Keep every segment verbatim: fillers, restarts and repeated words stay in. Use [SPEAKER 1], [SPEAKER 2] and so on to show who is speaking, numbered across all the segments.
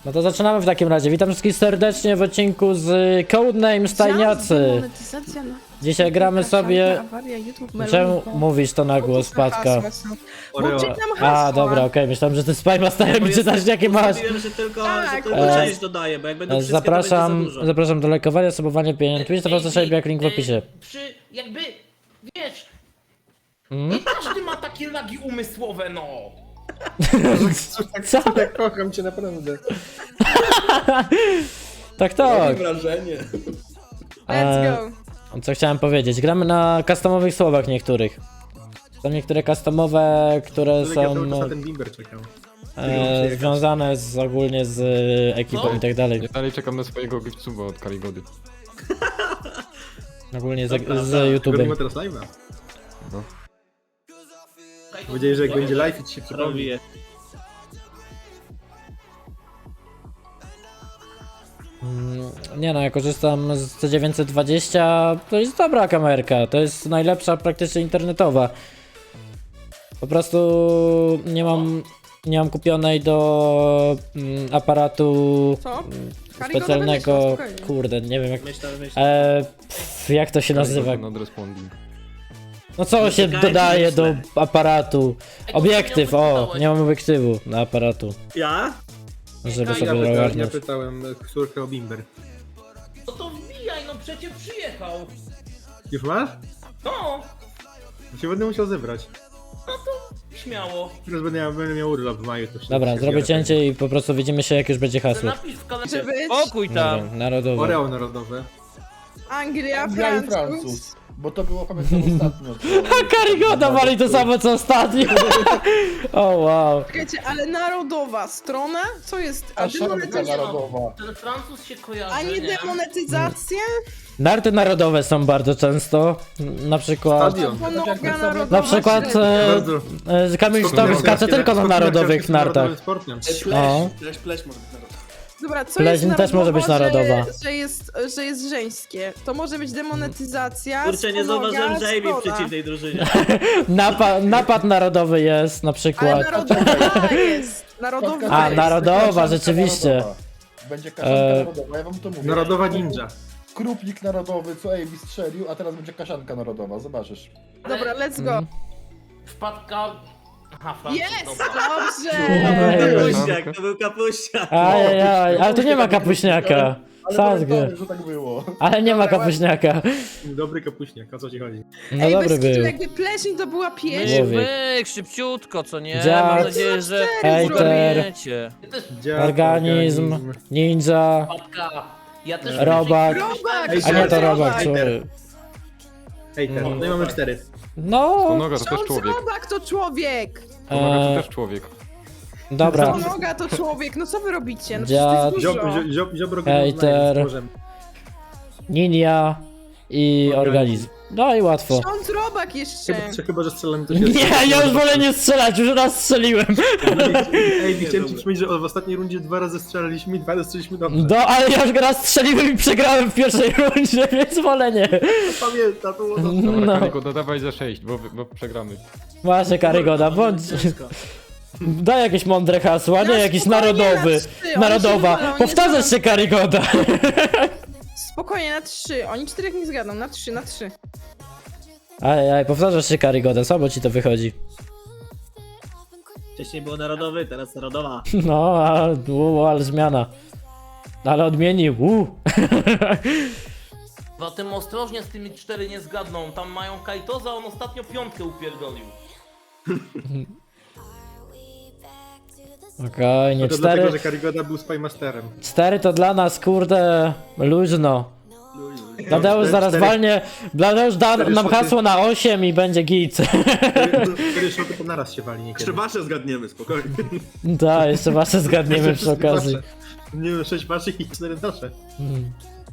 [SPEAKER 1] No to zaczynamy w takim razie. Witam wszystkich serdecznie w odcinku z Codename Stajniacy. Dzisiaj gramy sobie... Czemu mówisz to na głos, Patka? A, dobra, okej, okay. Myślałem, że ty Spymasterem i czytasz jakie masz.
[SPEAKER 2] Mówiłem, że tylko,
[SPEAKER 3] Tak,
[SPEAKER 2] że tylko
[SPEAKER 1] e,
[SPEAKER 2] część dodaję, bo jak będą wszystkie,
[SPEAKER 1] Zapraszam,
[SPEAKER 2] to będzie za dużo.
[SPEAKER 1] zapraszam do lajkowania, subowania, pieniędzy. Twitch, zapraszam sobie jak link w opisie.
[SPEAKER 4] Przy, jakby, wiesz,
[SPEAKER 1] Hmm?
[SPEAKER 4] nie każdy ma takie lagi umysłowe, no.
[SPEAKER 1] Co?
[SPEAKER 5] Tak kocham cię naprawdę.
[SPEAKER 1] Tak, tak.
[SPEAKER 2] wrażenie.
[SPEAKER 3] Let's go.
[SPEAKER 1] Co chciałem powiedzieć? Gramy na customowych słowach niektórych. Są niektóre customowe, które
[SPEAKER 5] Ja
[SPEAKER 1] są
[SPEAKER 5] cały czas na ten bimber czekam.
[SPEAKER 1] e, związane z, ogólnie z e, ekipą
[SPEAKER 4] No.
[SPEAKER 1] i tak dalej.
[SPEAKER 6] Ja dalej czekam na swojego Gifcuba od Kaligody.
[SPEAKER 1] Ogólnie z,
[SPEAKER 2] Dobra,
[SPEAKER 1] z
[SPEAKER 2] dobra.
[SPEAKER 1] YouTube'em.
[SPEAKER 5] Robimy teraz live'a.
[SPEAKER 6] No.
[SPEAKER 5] Mam nadzieję, że jak będzie live i ci się przypomni.
[SPEAKER 2] Robię.
[SPEAKER 1] Mm, Nie no, ja korzystam z C dziewięćset dwadzieścia, to jest dobra kamerka, to jest najlepsza praktycznie internetowa. Po prostu nie mam, nie mam kupionej do mm, aparatu
[SPEAKER 3] Co?
[SPEAKER 1] specjalnego,
[SPEAKER 3] Karygoda będzie,
[SPEAKER 1] kurde, nie wiem jak,
[SPEAKER 2] Myślę, myślę.
[SPEAKER 1] e, pff, jak to się nazywa,
[SPEAKER 6] Not responding.
[SPEAKER 1] no co się
[SPEAKER 2] Czekajcie,
[SPEAKER 1] dodaje do
[SPEAKER 2] myślę.
[SPEAKER 1] aparatu, obiektyw, o,
[SPEAKER 4] pytałeś.
[SPEAKER 1] nie mam obiektywu na aparatu,
[SPEAKER 2] Ja?
[SPEAKER 1] żeby
[SPEAKER 4] Ja
[SPEAKER 1] sobie
[SPEAKER 5] Ja pytałem, ja
[SPEAKER 1] ogarnąć.
[SPEAKER 5] pytałem córkę o bimber.
[SPEAKER 4] No to wbijaj, no przecież przyjechał.
[SPEAKER 5] Już masz?
[SPEAKER 4] No,
[SPEAKER 5] Ja się będę musiał zebrać.
[SPEAKER 4] śmiało.
[SPEAKER 5] Teraz będę miał, będę miał urlop w maju. To się
[SPEAKER 1] Dobra,
[SPEAKER 5] się
[SPEAKER 1] zrobię
[SPEAKER 5] zbiorę.
[SPEAKER 1] cięcie i po prostu widzimy się jak już będzie hasło.
[SPEAKER 4] Napisz w kalendarzu.
[SPEAKER 3] Żeby być
[SPEAKER 7] Spokój tam!
[SPEAKER 1] Dobra, narodowe.
[SPEAKER 5] Oreo narodowe.
[SPEAKER 3] Anglia,
[SPEAKER 7] Anglia i
[SPEAKER 3] Francuz.
[SPEAKER 7] Francuz. Bo to było pamiętam ostatnio.
[SPEAKER 1] Karygoda wali to samo co ostatnio. O wow.
[SPEAKER 3] Czekajcie, ale narodowa strona? Co jest? A,
[SPEAKER 7] A szanka
[SPEAKER 3] demonetyzacja?
[SPEAKER 7] narodowa.
[SPEAKER 4] Ten Francuz się kojarzy,
[SPEAKER 3] A nie demonetyzację?
[SPEAKER 1] Narty narodowe są bardzo często. Na przykład.
[SPEAKER 5] Stadion.
[SPEAKER 3] Ponoga narodowa.
[SPEAKER 1] Na przykład
[SPEAKER 3] średnia.
[SPEAKER 1] e,
[SPEAKER 5] Bardzo.
[SPEAKER 1] e, Kamil
[SPEAKER 5] Skok
[SPEAKER 1] Sztorm skacze
[SPEAKER 5] narciarski-
[SPEAKER 1] tylko na
[SPEAKER 5] skok
[SPEAKER 1] narodowych
[SPEAKER 5] narciarski
[SPEAKER 1] nartach.
[SPEAKER 5] narodowym sportem.
[SPEAKER 1] No.
[SPEAKER 2] Pleś, pleś może być narodowy.
[SPEAKER 3] Dobra, co
[SPEAKER 1] Pleśń
[SPEAKER 3] jest
[SPEAKER 1] też może być
[SPEAKER 3] narodowa,
[SPEAKER 1] narodowa.
[SPEAKER 3] Że, że, jest, że jest żeńskie. To może być demonetyzacja.
[SPEAKER 2] Kurczę, nie
[SPEAKER 3] sponoga,
[SPEAKER 2] zauważyłem, że Amy w
[SPEAKER 3] zgoda.
[SPEAKER 2] przeciwnej drużynie.
[SPEAKER 1] Napa napad narodowy jest na
[SPEAKER 3] Ale
[SPEAKER 1] przykład.
[SPEAKER 3] narodowa jest. Narodowa
[SPEAKER 1] A,
[SPEAKER 3] jest.
[SPEAKER 1] narodowa,
[SPEAKER 7] Kaszanka
[SPEAKER 1] rzeczywiście.
[SPEAKER 7] narodowa. Będzie kaszanka
[SPEAKER 1] E,
[SPEAKER 7] narodowa, ja wam to mówię.
[SPEAKER 5] Narodowa ninja.
[SPEAKER 7] Krupnik narodowy, co Amy strzelił, a teraz będzie kaszanka narodowa, zobaczysz.
[SPEAKER 3] Dobra, let's go.
[SPEAKER 4] Wpadka... Aha, Francuz,
[SPEAKER 3] Jest!
[SPEAKER 4] dobra.
[SPEAKER 3] Dobrze!
[SPEAKER 1] Ej,
[SPEAKER 2] Kapuściak, to był kapuściak.
[SPEAKER 1] Ajajaj, ale tu nie ma kapuśniaka.
[SPEAKER 7] Ale
[SPEAKER 1] Sadzgę.
[SPEAKER 7] pamiętamy, że tak było.
[SPEAKER 1] Ale nie ma kapuśniaka.
[SPEAKER 5] Dobry kapuśniak, o co ci chodzi?
[SPEAKER 1] No
[SPEAKER 3] Ej,
[SPEAKER 1] dobry
[SPEAKER 3] bez kitu,
[SPEAKER 1] był.
[SPEAKER 3] jakby pleśń to była pieśń.
[SPEAKER 7] Myk,
[SPEAKER 1] Człowiek.
[SPEAKER 7] myk, szybciutko, co nie?
[SPEAKER 1] Dziad.
[SPEAKER 7] Mam nadzieję, że
[SPEAKER 1] Hejter.
[SPEAKER 7] ogarniecie.
[SPEAKER 4] Ja też,
[SPEAKER 5] Dziad,
[SPEAKER 1] Organizm, ninja,
[SPEAKER 4] wpadka. Ja też...
[SPEAKER 1] robak.
[SPEAKER 3] Robak!
[SPEAKER 5] Ej,
[SPEAKER 1] A nie to
[SPEAKER 5] Ej,
[SPEAKER 1] robak,
[SPEAKER 5] Ej,
[SPEAKER 1] człowiek.
[SPEAKER 5] Hej, teraz, no i mamy cztery.
[SPEAKER 1] No,
[SPEAKER 6] Ponoga to też
[SPEAKER 3] Ksiądz
[SPEAKER 6] człowiek.
[SPEAKER 3] Robak to człowiek!
[SPEAKER 6] Ponoga
[SPEAKER 1] e,
[SPEAKER 6] to też człowiek.
[SPEAKER 1] dobra.
[SPEAKER 3] Ponoga to człowiek, no co wy robicie? No
[SPEAKER 1] Dziad.
[SPEAKER 3] przecież to jest
[SPEAKER 5] Ziob,
[SPEAKER 3] dużo.
[SPEAKER 5] ziob, ziob, ziobro
[SPEAKER 1] Hejter.
[SPEAKER 5] możemy.
[SPEAKER 1] Ninja i organizm. No i łatwo.
[SPEAKER 3] Ksiądz Robak jeszcze!
[SPEAKER 5] Chyba, chyba, że strzelamy to się...
[SPEAKER 1] Nie, ja już wolę nie strzelać, już raz strzeliłem.
[SPEAKER 5] Ej, chciałem ci przypomnieć, że w ostatniej rundzie dwa razy strzelaliśmy i dwa razy strzeliliśmy dobrze.
[SPEAKER 1] No, ale ja już raz strzeliłem i przegrałem w pierwszej rundzie, więc wolę nie.
[SPEAKER 5] Pamiętam, to było to.
[SPEAKER 6] Dobra,
[SPEAKER 1] No,
[SPEAKER 6] Kaligoda, dawaj za sześć, bo, bo przegramy.
[SPEAKER 1] właśnie Karygoda, bądź...
[SPEAKER 2] Ciężko.
[SPEAKER 1] Daj jakieś mądre hasła, nie
[SPEAKER 3] Na
[SPEAKER 1] jakiś
[SPEAKER 3] spokojnie,
[SPEAKER 1] narodowy.
[SPEAKER 3] na trzy, oni się
[SPEAKER 1] Narodowa.
[SPEAKER 3] wywalą, nie
[SPEAKER 1] Powtarzasz się Karygoda.
[SPEAKER 3] Spokojnie, na trzy. Oni czterech nie zgadą, na trzy, na trzy.
[SPEAKER 1] Aj, aj, powtarzasz się Karygoda, słabo ci to wychodzi.
[SPEAKER 2] Wcześniej było narodowy, teraz narodowa.
[SPEAKER 1] No, a, u, ale zmiana. Ale odmienił, u.
[SPEAKER 4] Zatem ostrożnie z tymi cztery nie zgadną. Tam mają Kajtoza, on ostatnio piątkę upierdolił.
[SPEAKER 1] Okej, nie
[SPEAKER 5] To dlatego,
[SPEAKER 1] cztery.
[SPEAKER 5] że Karygoda był Spymasterem.
[SPEAKER 1] Cztery to dla nas, kurde, luźno. Tadeusz
[SPEAKER 5] Cztery-
[SPEAKER 1] zaraz
[SPEAKER 5] cztery-
[SPEAKER 1] walnie. Tadeusz da
[SPEAKER 5] cztery
[SPEAKER 1] nam
[SPEAKER 5] szoty.
[SPEAKER 1] hasło na osiem i będzie git.
[SPEAKER 5] Cztery szoty to naraz się wali niekiedy.
[SPEAKER 2] Jeszcze wasze zgadniemy, spokojnie.
[SPEAKER 1] Tak, jeszcze wasze zgadniemy przy okazji.
[SPEAKER 5] Nie wiem, sześć waszych i cztery nasze.
[SPEAKER 1] Hmm.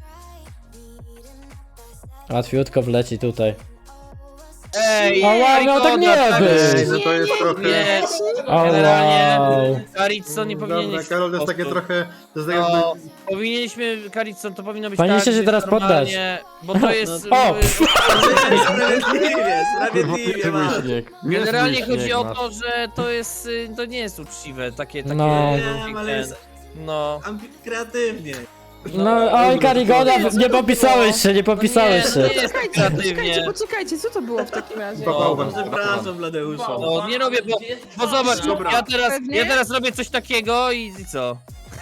[SPEAKER 1] Łatwiutko wleci tutaj.
[SPEAKER 7] Ej,
[SPEAKER 1] O wow, miał tak nie
[SPEAKER 7] Karygoda,
[SPEAKER 1] być.
[SPEAKER 5] Ej, no to jest trochę...
[SPEAKER 7] Nie,
[SPEAKER 1] O
[SPEAKER 7] generalnie
[SPEAKER 1] wow.
[SPEAKER 7] Karitson nie
[SPEAKER 5] Dobra,
[SPEAKER 7] powinien...
[SPEAKER 5] Karol, to jest takie trochę... To jest tak
[SPEAKER 7] No,
[SPEAKER 5] jakby...
[SPEAKER 7] powinniśmy, Karitson, to powinno być
[SPEAKER 1] Powinniście
[SPEAKER 7] tak,
[SPEAKER 1] się
[SPEAKER 7] że
[SPEAKER 1] teraz
[SPEAKER 7] normalnie- Bo to jest...
[SPEAKER 1] O!
[SPEAKER 7] y,
[SPEAKER 2] Sprawiedliwie, sprawiedliwie masz.
[SPEAKER 6] śnieg.
[SPEAKER 7] Generalnie chodzi o
[SPEAKER 6] masz.
[SPEAKER 7] to, że to jest... y, To nie jest uczciwe, takie... takie
[SPEAKER 1] No.
[SPEAKER 2] Wiem, ale jest...
[SPEAKER 8] No.
[SPEAKER 2] Ambi- kreatywnie.
[SPEAKER 1] No, oj, Karigoda, nie popisałeś się, nie popisałeś
[SPEAKER 8] nie,
[SPEAKER 1] się.
[SPEAKER 8] nie jest
[SPEAKER 3] Poczekajcie,
[SPEAKER 8] kreatywnie.
[SPEAKER 3] poczekajcie, poczekajcie, co to było w takim razie?
[SPEAKER 5] Baba-
[SPEAKER 2] No, przepraszam, Bladeusza.
[SPEAKER 8] No nie robię, bo, bo zobacz,
[SPEAKER 2] Dobra.
[SPEAKER 8] ja teraz,
[SPEAKER 3] Pewnie?
[SPEAKER 8] ja teraz robię coś takiego i, i co?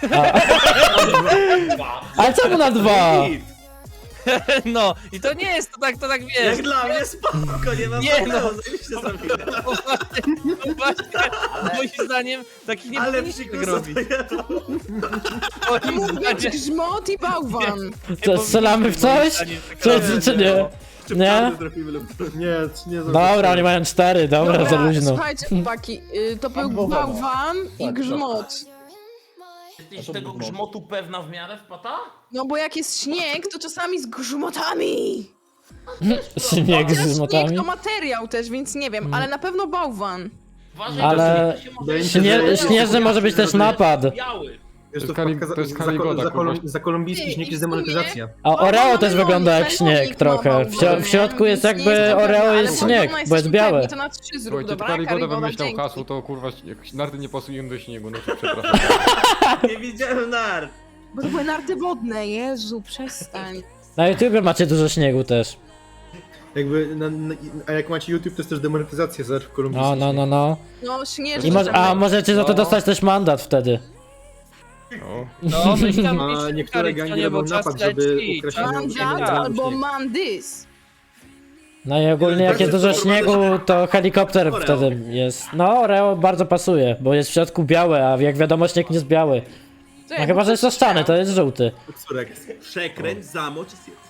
[SPEAKER 1] Ale czemu na dwa?
[SPEAKER 8] No i to nie jest to tak, to tak wiesz.
[SPEAKER 2] Jak dla mnie spoko, nie mam
[SPEAKER 8] Nie,
[SPEAKER 2] problemu,
[SPEAKER 8] no.
[SPEAKER 2] zajebiście zrobiłem.
[SPEAKER 8] No właśnie, no właśnie, moim zdaniem takich nie
[SPEAKER 2] Ale
[SPEAKER 8] powinniśmy tak
[SPEAKER 2] psikusa
[SPEAKER 8] robić.
[SPEAKER 2] to ja
[SPEAKER 8] Moim
[SPEAKER 3] Mówię,
[SPEAKER 8] zdaniem,
[SPEAKER 3] grzmot i bałwan.
[SPEAKER 1] Co, strzelamy w coś? Czy, czy, czy nie?
[SPEAKER 2] Czy
[SPEAKER 1] Nie?
[SPEAKER 2] czarny trafimy lub...
[SPEAKER 5] Nie, nie
[SPEAKER 1] Dobra, oni mają cztery, dobra, to luźno.
[SPEAKER 3] słuchajcie chłopaki, y, to był
[SPEAKER 7] Bałwana.
[SPEAKER 3] bałwan i
[SPEAKER 7] Tak,
[SPEAKER 3] grzmot.
[SPEAKER 4] Jesteś tego grzmotu pewna w miarę wpata?
[SPEAKER 3] No bo jak jest śnieg, to czasami z grzmotami.
[SPEAKER 1] Śnieg
[SPEAKER 3] Chociaż
[SPEAKER 1] z motami.
[SPEAKER 3] śnieg to materiał też, więc nie wiem, ale na pewno bałwan.
[SPEAKER 4] Uważaj,
[SPEAKER 1] Ale
[SPEAKER 4] że się może-
[SPEAKER 5] wydaje mi się,
[SPEAKER 1] Śnie,
[SPEAKER 5] że-
[SPEAKER 1] śnieżny może być też napad.
[SPEAKER 4] Biały.
[SPEAKER 5] Wiesz, to
[SPEAKER 6] To jest Kali-
[SPEAKER 5] wpadka
[SPEAKER 6] to jest
[SPEAKER 5] za, za,
[SPEAKER 6] Kaligoda,
[SPEAKER 5] za,
[SPEAKER 6] kurwa.
[SPEAKER 5] za kolumbijski
[SPEAKER 3] Ty,
[SPEAKER 5] śnieg
[SPEAKER 3] i
[SPEAKER 5] jest
[SPEAKER 3] w sumie-
[SPEAKER 5] demonetyzacja.
[SPEAKER 1] A Oreo też
[SPEAKER 3] Bałwan
[SPEAKER 1] wygląda jak
[SPEAKER 3] melonik
[SPEAKER 1] śnieg
[SPEAKER 3] ma
[SPEAKER 1] trochę. W, śro- w środku jest
[SPEAKER 3] więc nie
[SPEAKER 1] jakby
[SPEAKER 3] to pewne,
[SPEAKER 1] Oreo
[SPEAKER 3] ale
[SPEAKER 1] jest
[SPEAKER 3] bałwana
[SPEAKER 1] śnieg, bo jest
[SPEAKER 3] jesteśmy
[SPEAKER 1] białe.
[SPEAKER 3] pewni, to na trzy zrób,
[SPEAKER 6] Słuchajcie, to
[SPEAKER 3] dobra?
[SPEAKER 6] Karigoda
[SPEAKER 3] Karigoda,
[SPEAKER 6] wymyślał
[SPEAKER 3] dzięki.
[SPEAKER 6] hasło, to kurwa, jak narty nie pasują do śniegu, no to przepraszam.
[SPEAKER 2] Nie widziałem nart.
[SPEAKER 3] Bo to były narty wodne, Jezu, przestań.
[SPEAKER 1] Na YouTubie macie dużo śniegu też.
[SPEAKER 5] Jakby, na, na, a jak macie YouTube, to jest też demonetyzacja za kolumbijski
[SPEAKER 1] No, no, no, no.
[SPEAKER 3] No, śnieżny.
[SPEAKER 1] I może, a możecie za to
[SPEAKER 8] No.
[SPEAKER 1] dostać też mandat wtedy.
[SPEAKER 6] No.
[SPEAKER 8] No, myśl tam,
[SPEAKER 5] A
[SPEAKER 8] myśl,
[SPEAKER 5] niektóre
[SPEAKER 8] Kari,
[SPEAKER 5] gangi
[SPEAKER 8] to nie, bo
[SPEAKER 5] robią
[SPEAKER 8] czas
[SPEAKER 5] napad, żeby
[SPEAKER 8] leci,
[SPEAKER 5] ukraść
[SPEAKER 8] czas
[SPEAKER 5] inną-
[SPEAKER 8] leci.
[SPEAKER 3] Mandat
[SPEAKER 5] inną-
[SPEAKER 3] albo mandys.
[SPEAKER 1] No i ogólnie jak jest dużo śniegu, to helikopter wtedy jest. No, Oreo bardzo pasuje, bo jest w środku białe, a jak wiadomo śnieg nie jest biały.
[SPEAKER 3] To
[SPEAKER 1] No
[SPEAKER 3] jak
[SPEAKER 1] chyba, że jest oszczany, to jest żółty.
[SPEAKER 5] Córek.
[SPEAKER 2] Przekręć, zamocz i zjedz.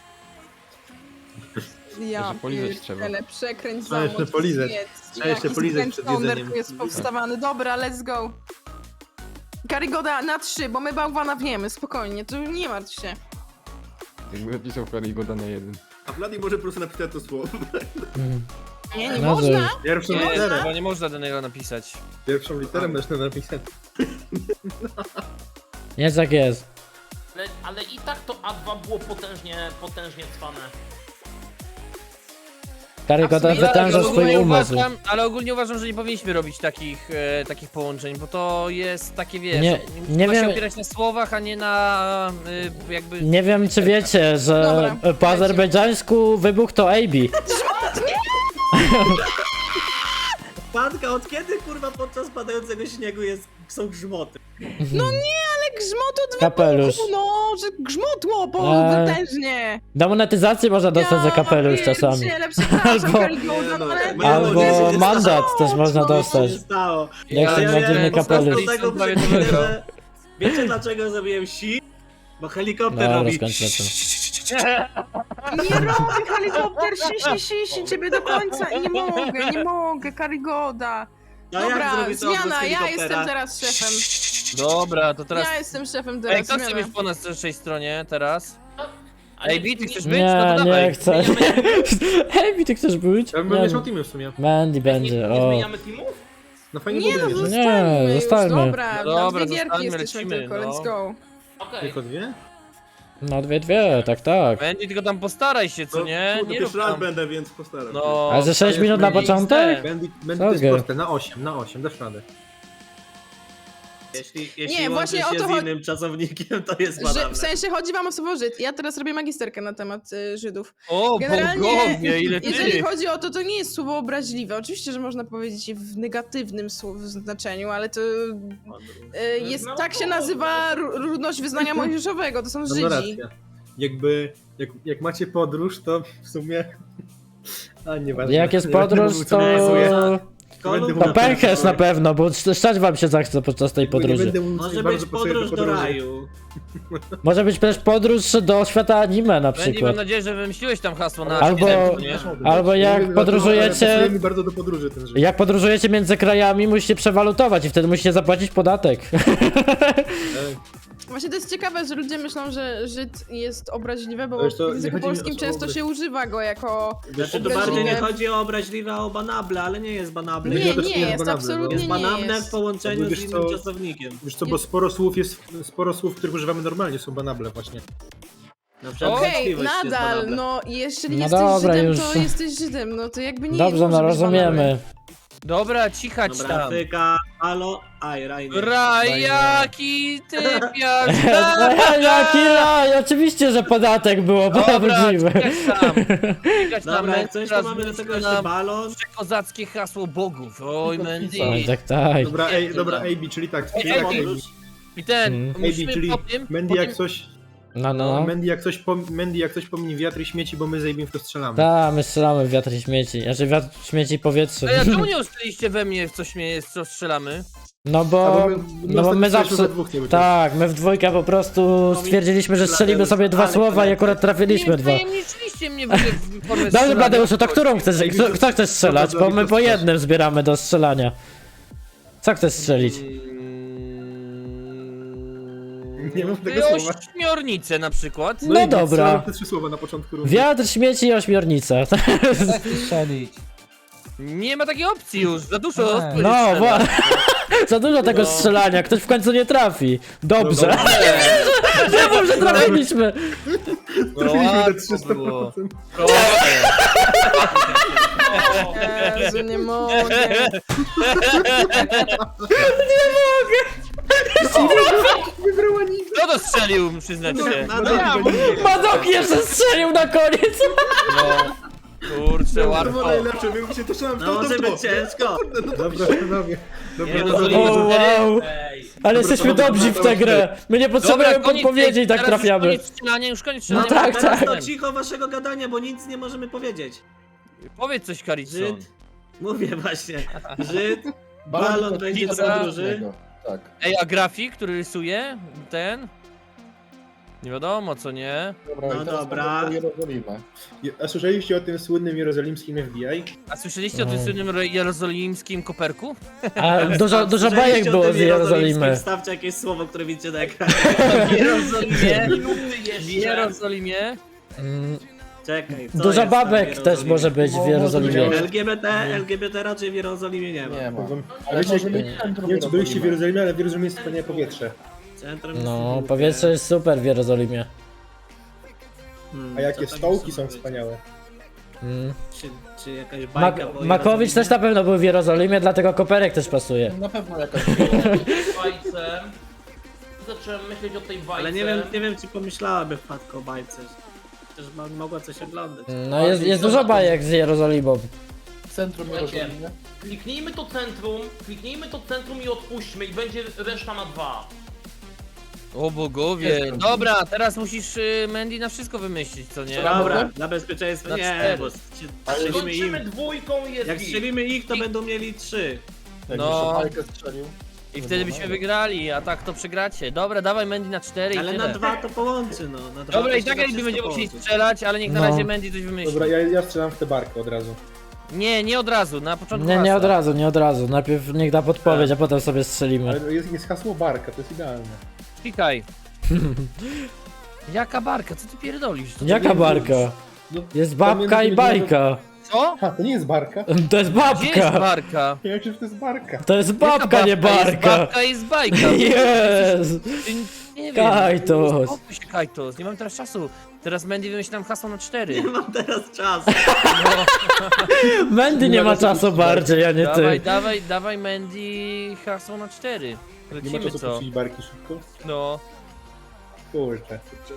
[SPEAKER 3] Ja
[SPEAKER 6] Jeszcze polizać trzeba.
[SPEAKER 3] pierdzielę, przekręć
[SPEAKER 5] Trzeba jeszcze
[SPEAKER 3] zamocz,
[SPEAKER 5] polizać.
[SPEAKER 3] zjedz.
[SPEAKER 5] Trzeba jeszcze
[SPEAKER 3] Jaki
[SPEAKER 5] polizać
[SPEAKER 3] Grand
[SPEAKER 5] przed
[SPEAKER 3] Thunder
[SPEAKER 5] jedzeniem.
[SPEAKER 3] tu jest powstawany. Dobra, let's go. Karigoda na trzy, bo my bałwana wiemy, spokojnie, tu nie martw się.
[SPEAKER 6] Jakby napisał Karigoda na jeden.
[SPEAKER 2] A Vladi może po prostu napisać to słowo.
[SPEAKER 3] Nie, nie
[SPEAKER 1] No,
[SPEAKER 3] można.
[SPEAKER 1] że-
[SPEAKER 5] Pierwszą
[SPEAKER 8] Nie,
[SPEAKER 5] literę.
[SPEAKER 8] chyba nie można danego napisać.
[SPEAKER 5] Pierwszą literę można napisać.
[SPEAKER 1] Jest jak jest.
[SPEAKER 4] Ale, ale i tak to A dwa było potężnie, potężnie cwane.
[SPEAKER 1] Karygoda
[SPEAKER 8] Ale
[SPEAKER 1] wytęża swój
[SPEAKER 8] ogólnie
[SPEAKER 1] umysł.
[SPEAKER 8] uważam, ale ogólnie uważam, że nie powinniśmy robić takich, e, takich połączeń, bo to jest takie, wiesz,
[SPEAKER 1] Nie- nie
[SPEAKER 8] ma
[SPEAKER 1] wiem-
[SPEAKER 8] się opierać na słowach, a nie na e, jakby...
[SPEAKER 1] Nie wiem czy wiecie, że
[SPEAKER 3] Dobra,
[SPEAKER 1] po azerbejdżańsku wybuch to A B.
[SPEAKER 2] Patka, od kiedy kurwa podczas padającego śniegu jest, są grzmoty?
[SPEAKER 3] Ale grzmotu dwa
[SPEAKER 1] Kapelusz.
[SPEAKER 3] no, że grzmotło po
[SPEAKER 1] Eee,
[SPEAKER 3] wytężnie.
[SPEAKER 1] Demonetyzację można dostać za kapelusz czasami.
[SPEAKER 3] pierdzielę, przepraszam,
[SPEAKER 1] Albo-
[SPEAKER 3] Karigoda, no ale...
[SPEAKER 2] Nie,
[SPEAKER 1] Albo
[SPEAKER 2] no, nie, nie,
[SPEAKER 1] mandat
[SPEAKER 2] nie,
[SPEAKER 1] też można
[SPEAKER 2] Co się
[SPEAKER 1] dostać.
[SPEAKER 2] stało?
[SPEAKER 1] Jak się
[SPEAKER 2] Ja
[SPEAKER 1] ma
[SPEAKER 2] wiem,
[SPEAKER 1] dziwny
[SPEAKER 2] po
[SPEAKER 1] kapelusz.
[SPEAKER 2] prostu tego
[SPEAKER 8] Prawie to
[SPEAKER 2] przykminę,
[SPEAKER 8] wygrał.
[SPEAKER 2] że- Wiecie dlaczego zrobiłem si? Bo helikopter
[SPEAKER 1] Dobra,
[SPEAKER 2] robi...
[SPEAKER 1] skończmy to.
[SPEAKER 3] Nie robię helikopter, si, si, si, si, ciebie do końca i nie mogę, nie mogę, Karigoda.
[SPEAKER 2] No jak
[SPEAKER 3] Dobra,
[SPEAKER 2] zrobić to bez
[SPEAKER 3] zmiana, ja
[SPEAKER 2] helikoptera?
[SPEAKER 3] jestem teraz szefem.
[SPEAKER 8] Dobra, to teraz...
[SPEAKER 3] Ja jestem szefem
[SPEAKER 8] Ej,
[SPEAKER 3] teraz,
[SPEAKER 8] kto chce
[SPEAKER 3] zmiana.
[SPEAKER 8] być po nas naszej stronie teraz?
[SPEAKER 4] Ale
[SPEAKER 8] Ej, Bi, ty chcesz być? No
[SPEAKER 1] Nie,
[SPEAKER 8] to
[SPEAKER 1] nie
[SPEAKER 8] dawaj.
[SPEAKER 1] chcę. Hej, ty chcesz być?
[SPEAKER 5] Ja bym
[SPEAKER 1] Nie,
[SPEAKER 5] mieszał teamy w sumie.
[SPEAKER 1] Mandy
[SPEAKER 4] Nie,
[SPEAKER 1] będzie,
[SPEAKER 4] nie
[SPEAKER 1] o.
[SPEAKER 4] zmieniamy teamów?
[SPEAKER 5] No fajnie
[SPEAKER 3] Nie no,
[SPEAKER 5] byłoby mieć.
[SPEAKER 3] zostańmy
[SPEAKER 1] Nie,
[SPEAKER 3] już,
[SPEAKER 1] zostańmy.
[SPEAKER 3] dobra,
[SPEAKER 8] No
[SPEAKER 3] na
[SPEAKER 8] dobra,
[SPEAKER 3] dwie gierki
[SPEAKER 8] zostańmy,
[SPEAKER 3] jesteśmy
[SPEAKER 8] lecimy,
[SPEAKER 3] tylko,
[SPEAKER 8] no.
[SPEAKER 3] let's go.
[SPEAKER 4] Okej.
[SPEAKER 5] Tylko dwie?
[SPEAKER 1] No dwie, dwie, tak, tak.
[SPEAKER 8] Będzie, tylko tam postaraj się, co
[SPEAKER 2] No,
[SPEAKER 8] nie?
[SPEAKER 2] kurde,
[SPEAKER 8] Nie
[SPEAKER 2] pierwszy
[SPEAKER 8] rób
[SPEAKER 2] raz
[SPEAKER 8] tam.
[SPEAKER 2] będę, więc postaram się.
[SPEAKER 8] No...
[SPEAKER 1] A ze sześć
[SPEAKER 5] jest
[SPEAKER 1] minut na
[SPEAKER 5] mniej
[SPEAKER 1] początek?
[SPEAKER 5] Będę,
[SPEAKER 1] Co
[SPEAKER 5] będę to jest
[SPEAKER 1] gier?
[SPEAKER 5] proste, na osiem, na osiem, dasz radę.
[SPEAKER 2] Jeśli, jeśli
[SPEAKER 3] Nie,
[SPEAKER 2] łączy
[SPEAKER 3] właśnie
[SPEAKER 2] się
[SPEAKER 3] o to
[SPEAKER 2] z
[SPEAKER 3] chodzi-
[SPEAKER 2] innym czasownikiem, to jest
[SPEAKER 3] Że,
[SPEAKER 2] badane.
[SPEAKER 3] w sensie chodzi wam o słowo Żyd. Ja teraz robię magisterkę na temat y, Żydów.
[SPEAKER 8] O,
[SPEAKER 3] Generalnie,
[SPEAKER 8] bogowie, ile
[SPEAKER 3] jeżeli
[SPEAKER 8] ty!
[SPEAKER 3] chodzi o to, to nie jest słowo obraźliwe. Oczywiście, że można powiedzieć je w negatywnym słow- znaczeniu, ale to y, jest, tak się nazywa ru- ludność wyznania mojżeszowego, to są
[SPEAKER 5] No,
[SPEAKER 3] Żydzi.
[SPEAKER 5] no racja. Jakby, jak, jak macie podróż, to w sumie... A, nieważne.
[SPEAKER 1] Jak jest
[SPEAKER 5] Nie będę
[SPEAKER 1] podróż,
[SPEAKER 5] mówił, co
[SPEAKER 1] to...
[SPEAKER 5] narysuję.
[SPEAKER 2] Kolumn-
[SPEAKER 1] To pęcherz na pewno, bo szczać wam się zachce podczas tej
[SPEAKER 5] Nie
[SPEAKER 1] podróży.
[SPEAKER 5] będę mówił, co
[SPEAKER 2] Może
[SPEAKER 5] bardzo
[SPEAKER 2] być
[SPEAKER 5] pasuje
[SPEAKER 2] podróż do
[SPEAKER 5] podróży.
[SPEAKER 2] raju.
[SPEAKER 1] Może być też podróż do świata anime na
[SPEAKER 8] Będzie, mam
[SPEAKER 1] przykład.
[SPEAKER 8] nadzieję, że wymyśliłeś tam hasło na
[SPEAKER 1] Albo-
[SPEAKER 8] architektu, nie?
[SPEAKER 1] Albo
[SPEAKER 5] Nie
[SPEAKER 1] jak
[SPEAKER 5] wiem, dlaczego, ale
[SPEAKER 1] podróżujecie...
[SPEAKER 5] pasuje mi bardzo do podróży ten żyć.
[SPEAKER 1] Jak podróżujecie między krajami, musicie przewalutować i wtedy musicie zapłacić podatek.
[SPEAKER 3] Właśnie to jest ciekawe, że ludzie myślą, że Żyd jest obraźliwe, bo
[SPEAKER 5] Wiesz co,
[SPEAKER 3] w
[SPEAKER 5] nie
[SPEAKER 3] języku
[SPEAKER 5] chodzi mi o
[SPEAKER 3] polskim
[SPEAKER 5] słowo
[SPEAKER 3] często
[SPEAKER 5] obraź-
[SPEAKER 3] się używa go jako...
[SPEAKER 2] Znaczy, to
[SPEAKER 3] Obraźliwe.
[SPEAKER 2] bardziej nie chodzi o obraźliwe, a o banable, ale nie jest banable.
[SPEAKER 3] Nie,
[SPEAKER 5] to też
[SPEAKER 3] nie
[SPEAKER 5] nie jest
[SPEAKER 3] jest,
[SPEAKER 5] banalne,
[SPEAKER 3] absolutnie
[SPEAKER 2] Jest
[SPEAKER 3] nie
[SPEAKER 2] banable w
[SPEAKER 3] jest.
[SPEAKER 2] połączeniu
[SPEAKER 5] Wiesz
[SPEAKER 2] z innym
[SPEAKER 5] co?
[SPEAKER 2] czasownikiem.
[SPEAKER 5] Wiesz co, bo sporo słów jest, sporo słów, których używamy normalnie, są banable właśnie.
[SPEAKER 2] Na przykład
[SPEAKER 3] Okej,
[SPEAKER 2] wątpliwość jest
[SPEAKER 3] nadal,
[SPEAKER 2] banable.
[SPEAKER 3] no jeśli
[SPEAKER 1] No
[SPEAKER 3] jesteś
[SPEAKER 1] dobra,
[SPEAKER 3] Żydem,
[SPEAKER 1] już.
[SPEAKER 3] to jesteś Żydem, no to jakby nie
[SPEAKER 1] Dobrze,
[SPEAKER 3] może
[SPEAKER 1] no
[SPEAKER 3] być banalne.
[SPEAKER 1] rozumiemy.
[SPEAKER 8] Dobra, cichać
[SPEAKER 2] Dobra,
[SPEAKER 8] tam.
[SPEAKER 2] Tyka, halo, aj, Rainer.
[SPEAKER 8] Rajaki, ty piasz.
[SPEAKER 1] Jaki raj, oczywiście, że podatek było
[SPEAKER 8] Dobra,
[SPEAKER 1] prawdziwe.
[SPEAKER 8] cichać tam. Cichać tam,
[SPEAKER 2] Dobra, jak coś, to
[SPEAKER 8] teraz
[SPEAKER 2] mamy do tego
[SPEAKER 8] wymyślę
[SPEAKER 2] jeszcze
[SPEAKER 8] nam
[SPEAKER 2] balon.
[SPEAKER 8] kozackie hasło bogów. Oj, Mandy.
[SPEAKER 1] Oj, tak, tak.
[SPEAKER 5] Dobra, ej, dobra, A B, czyli tak, czyli
[SPEAKER 8] Ej,
[SPEAKER 5] tak,
[SPEAKER 8] ej,
[SPEAKER 5] A B.
[SPEAKER 8] I ten,
[SPEAKER 1] Mm.
[SPEAKER 5] A B,
[SPEAKER 8] musimy
[SPEAKER 5] czyli
[SPEAKER 8] po tym,
[SPEAKER 5] Mandy
[SPEAKER 8] po
[SPEAKER 5] jak
[SPEAKER 8] tym,
[SPEAKER 5] coś,
[SPEAKER 1] No, no.
[SPEAKER 5] Mandy jak coś, pom Mandy jak coś pomini wiatr i śmieci, bo my z A B w to strzelamy.
[SPEAKER 1] Tak, my strzelamy w wiatr i śmieci. Znaczy wiatr, śmieci i powietrze.
[SPEAKER 8] Ej, a czemu nie usłyszeliście we mnie, w co śmieje, w co strzelamy?
[SPEAKER 1] No
[SPEAKER 5] A,
[SPEAKER 1] bo,
[SPEAKER 5] bo my,
[SPEAKER 1] no bo
[SPEAKER 5] ostatnio
[SPEAKER 1] my
[SPEAKER 5] strzelaliśmy
[SPEAKER 1] zawsze...
[SPEAKER 5] we dwóch, nie
[SPEAKER 1] Tak, my w dwójkę po prostu stwierdziliśmy, że strzelimy sobie dwa słowa i akurat trafiliśmy
[SPEAKER 8] Nie
[SPEAKER 1] dwa.
[SPEAKER 8] wtajemniczyliście mnie w ogóle w formie
[SPEAKER 1] Dobrze,
[SPEAKER 8] strzelania.
[SPEAKER 1] Bladeuszu, to którą chcesz, kto, kto chcesz strzelać? Bo my po jednym zbieramy do strzelania. Co chcesz strzelić?
[SPEAKER 5] Nie mam tego
[SPEAKER 8] Ty
[SPEAKER 5] słowa.
[SPEAKER 8] ośmiornicę na przykład.
[SPEAKER 1] No dobra.
[SPEAKER 5] Te trzy słowa na początku rundy.
[SPEAKER 1] Wiatr, śmieci i ośmiornica.
[SPEAKER 8] Nie ma takiej opcji już, za dużo.
[SPEAKER 1] No, właśnie. Za dużo tego strzelania, ktoś w końcu nie trafi. Dobrze. Nie wiem, że trafiliśmy.
[SPEAKER 5] Trafiliśmy te trzysta procent.
[SPEAKER 3] Jezu, nie mogę.
[SPEAKER 5] Wybrała nikt.
[SPEAKER 8] Kto to strzelił, przyznać się?
[SPEAKER 2] No, no, ja
[SPEAKER 1] Madoki jeszcze strzelił na koniec.
[SPEAKER 8] No. Kurczę,
[SPEAKER 5] To było
[SPEAKER 8] łatwo.
[SPEAKER 5] najlepsze, my się toczyłem w
[SPEAKER 2] no
[SPEAKER 5] to,
[SPEAKER 2] może
[SPEAKER 5] to, to.
[SPEAKER 2] być ciężko.
[SPEAKER 5] Dobra, panowie. Dobra,
[SPEAKER 8] Nie, no,
[SPEAKER 5] dobra,
[SPEAKER 8] to-
[SPEAKER 1] O,
[SPEAKER 5] dobra.
[SPEAKER 1] wow. Ale jesteśmy
[SPEAKER 5] dobra,
[SPEAKER 1] dobrzy w
[SPEAKER 5] dobra,
[SPEAKER 1] tę grę. My nie potrzebujemy
[SPEAKER 8] Dobra, koniec,
[SPEAKER 1] podpowiedzi i tak
[SPEAKER 8] teraz już
[SPEAKER 1] trafiamy.
[SPEAKER 8] Koniec strzelania, już koniec
[SPEAKER 1] No
[SPEAKER 8] strzelania.
[SPEAKER 1] tak,
[SPEAKER 2] Teraz
[SPEAKER 1] tak.
[SPEAKER 2] to cicho waszego gadania, bo nic nie możemy powiedzieć.
[SPEAKER 8] Powiedz coś, Karicon.
[SPEAKER 2] Żyd, mówię właśnie, Żyd,
[SPEAKER 7] Balon
[SPEAKER 2] balon
[SPEAKER 7] to
[SPEAKER 2] będzie
[SPEAKER 7] nic
[SPEAKER 2] do podróży.
[SPEAKER 7] Tak.
[SPEAKER 8] Ej, a grafik, który rysuje? Ten? Nie wiadomo, co nie?
[SPEAKER 7] Dobra,
[SPEAKER 2] No
[SPEAKER 7] i teraz
[SPEAKER 2] dobra.
[SPEAKER 7] mamy Jerozolimę.
[SPEAKER 5] A słyszeliście o tym słynnym jerozolimskim F B I?
[SPEAKER 8] A słyszeliście o tym słynnym ro- jerozolimskim koperku?
[SPEAKER 1] A dużo, dużo
[SPEAKER 2] Słyszeliście
[SPEAKER 1] bajek
[SPEAKER 2] o
[SPEAKER 1] było
[SPEAKER 2] tym
[SPEAKER 1] z Jerozolimy.
[SPEAKER 2] Wstawcie jakieś słowo, które widzicie na ekranie.
[SPEAKER 8] W Jerozolimie. W
[SPEAKER 4] jeszcze.
[SPEAKER 8] Jerozolimie.
[SPEAKER 1] Mm,
[SPEAKER 2] Czekaj, co
[SPEAKER 1] Dużo
[SPEAKER 2] jest tam w
[SPEAKER 1] babek
[SPEAKER 2] Jerozolimie?
[SPEAKER 1] też może być w Jerozolimie.
[SPEAKER 5] może
[SPEAKER 2] L G B T, L G B T raczej w Jerozolimie nie ma.
[SPEAKER 7] Nie ma.
[SPEAKER 5] Wam-
[SPEAKER 7] Ale
[SPEAKER 5] wiecie,
[SPEAKER 7] może
[SPEAKER 5] jak-
[SPEAKER 7] mieć
[SPEAKER 5] Nie
[SPEAKER 7] centrum
[SPEAKER 5] wiem, czy byliście w
[SPEAKER 7] Jerozolimy.
[SPEAKER 5] Jerozolimie, ale w Jerozolimie jest wspaniałe powietrze.
[SPEAKER 2] Centrum
[SPEAKER 1] No,
[SPEAKER 2] dystrybucji.
[SPEAKER 1] powietrze jest super w Jerozolimie.
[SPEAKER 2] Hmm,
[SPEAKER 5] A
[SPEAKER 2] co
[SPEAKER 5] jakie
[SPEAKER 2] tam
[SPEAKER 5] stołki
[SPEAKER 2] jeszcze
[SPEAKER 5] są
[SPEAKER 2] powiedzieć?
[SPEAKER 5] wspaniałe.
[SPEAKER 1] Mm.
[SPEAKER 2] Czy, czy jakaś
[SPEAKER 1] Mak
[SPEAKER 2] bajka po
[SPEAKER 1] Makowicz też
[SPEAKER 2] Jerozolimie?
[SPEAKER 1] na pewno był w Jerozolimie, dlatego koperek też pasuje.
[SPEAKER 7] Na pewno jakaś
[SPEAKER 4] Bajce. Zacząłem myśleć o tej bajce.
[SPEAKER 2] Ale nie wiem, nie wiem czy pomyślałaby wpadko o bajce. Też ma- mogła coś oglądać.
[SPEAKER 1] No jest, jest dużo bajek z Jerozolimą.
[SPEAKER 7] centrum
[SPEAKER 4] Słuchajcie.
[SPEAKER 7] Jerozolimy.
[SPEAKER 4] Kliknijmy to centrum, kliknijmy to centrum i odpuśćmy i będzie reszta na dwa.
[SPEAKER 8] O bogowie. Dobra, teraz musisz y, Mandy na wszystko wymyślić, co nie?
[SPEAKER 2] Dobra, dla bezpieczeństwa
[SPEAKER 8] Na
[SPEAKER 2] nie,
[SPEAKER 8] cztery.
[SPEAKER 2] bo strzelimy
[SPEAKER 4] Kończymy
[SPEAKER 2] im.
[SPEAKER 4] dwójką i jest
[SPEAKER 2] Jak
[SPEAKER 4] git.
[SPEAKER 2] strzelimy ich, to będą mieli trzy.
[SPEAKER 7] Jak
[SPEAKER 8] No.
[SPEAKER 7] no. bajkę strzelił.
[SPEAKER 8] I wtedy byśmy wygrali, a tak to przegracie. Dobra, dawaj Mandy na cztery
[SPEAKER 2] Ale
[SPEAKER 8] i
[SPEAKER 2] na
[SPEAKER 8] tyle.
[SPEAKER 2] dwa to połączy, no. Na dwa
[SPEAKER 8] Dobra,
[SPEAKER 2] to
[SPEAKER 8] i
[SPEAKER 2] się
[SPEAKER 8] tak
[SPEAKER 2] da
[SPEAKER 8] jakby
[SPEAKER 2] wszystko
[SPEAKER 8] będziemy musieli
[SPEAKER 2] połączyć.
[SPEAKER 8] strzelać, ale niech na
[SPEAKER 1] No.
[SPEAKER 8] razie Mandy coś wymyśli.
[SPEAKER 5] Dobra, ja, ja strzelam w tę barkę od razu.
[SPEAKER 8] Nie, nie od razu, na początku
[SPEAKER 1] Nie, nie
[SPEAKER 8] hasła.
[SPEAKER 1] od razu, nie od razu. Najpierw niech da podpowiedź, a potem sobie strzelimy.
[SPEAKER 5] Ale jest, jest hasło barka, to jest idealne.
[SPEAKER 8] Klikaj. Jaka barka? Co ty pierdolisz? To
[SPEAKER 1] Jaka barka?
[SPEAKER 5] No,
[SPEAKER 1] Jest
[SPEAKER 5] tam
[SPEAKER 1] babka
[SPEAKER 5] między
[SPEAKER 1] i
[SPEAKER 5] innymi-
[SPEAKER 1] bajka.
[SPEAKER 8] Co?
[SPEAKER 5] Ha, to nie jest barka.
[SPEAKER 1] To jest
[SPEAKER 8] Gdzie jest
[SPEAKER 1] babka.
[SPEAKER 8] barka?
[SPEAKER 5] Ja wiem, że to jest barka.
[SPEAKER 1] To jest
[SPEAKER 8] Jaka
[SPEAKER 1] babka, nie
[SPEAKER 8] Jest
[SPEAKER 1] barka.
[SPEAKER 8] babka jest bajka.
[SPEAKER 1] Jest.
[SPEAKER 8] Ty, nie wiem.
[SPEAKER 1] Kajtos.
[SPEAKER 8] Uspokój się, Kajtos. Nie mam teraz czasu. Teraz Mandy wymyśli nam hasło na cztery.
[SPEAKER 2] Nie mam teraz czasu.
[SPEAKER 1] Mandy nie ma czasu bardziej, a nie
[SPEAKER 8] Dawaj,
[SPEAKER 1] ty.
[SPEAKER 8] dawaj, dawaj Mandy hasło na cztery.
[SPEAKER 5] Nie ma
[SPEAKER 8] Lecimy
[SPEAKER 5] czasu
[SPEAKER 8] co?
[SPEAKER 5] puścić barki szybko.
[SPEAKER 8] No.
[SPEAKER 5] Kurczę.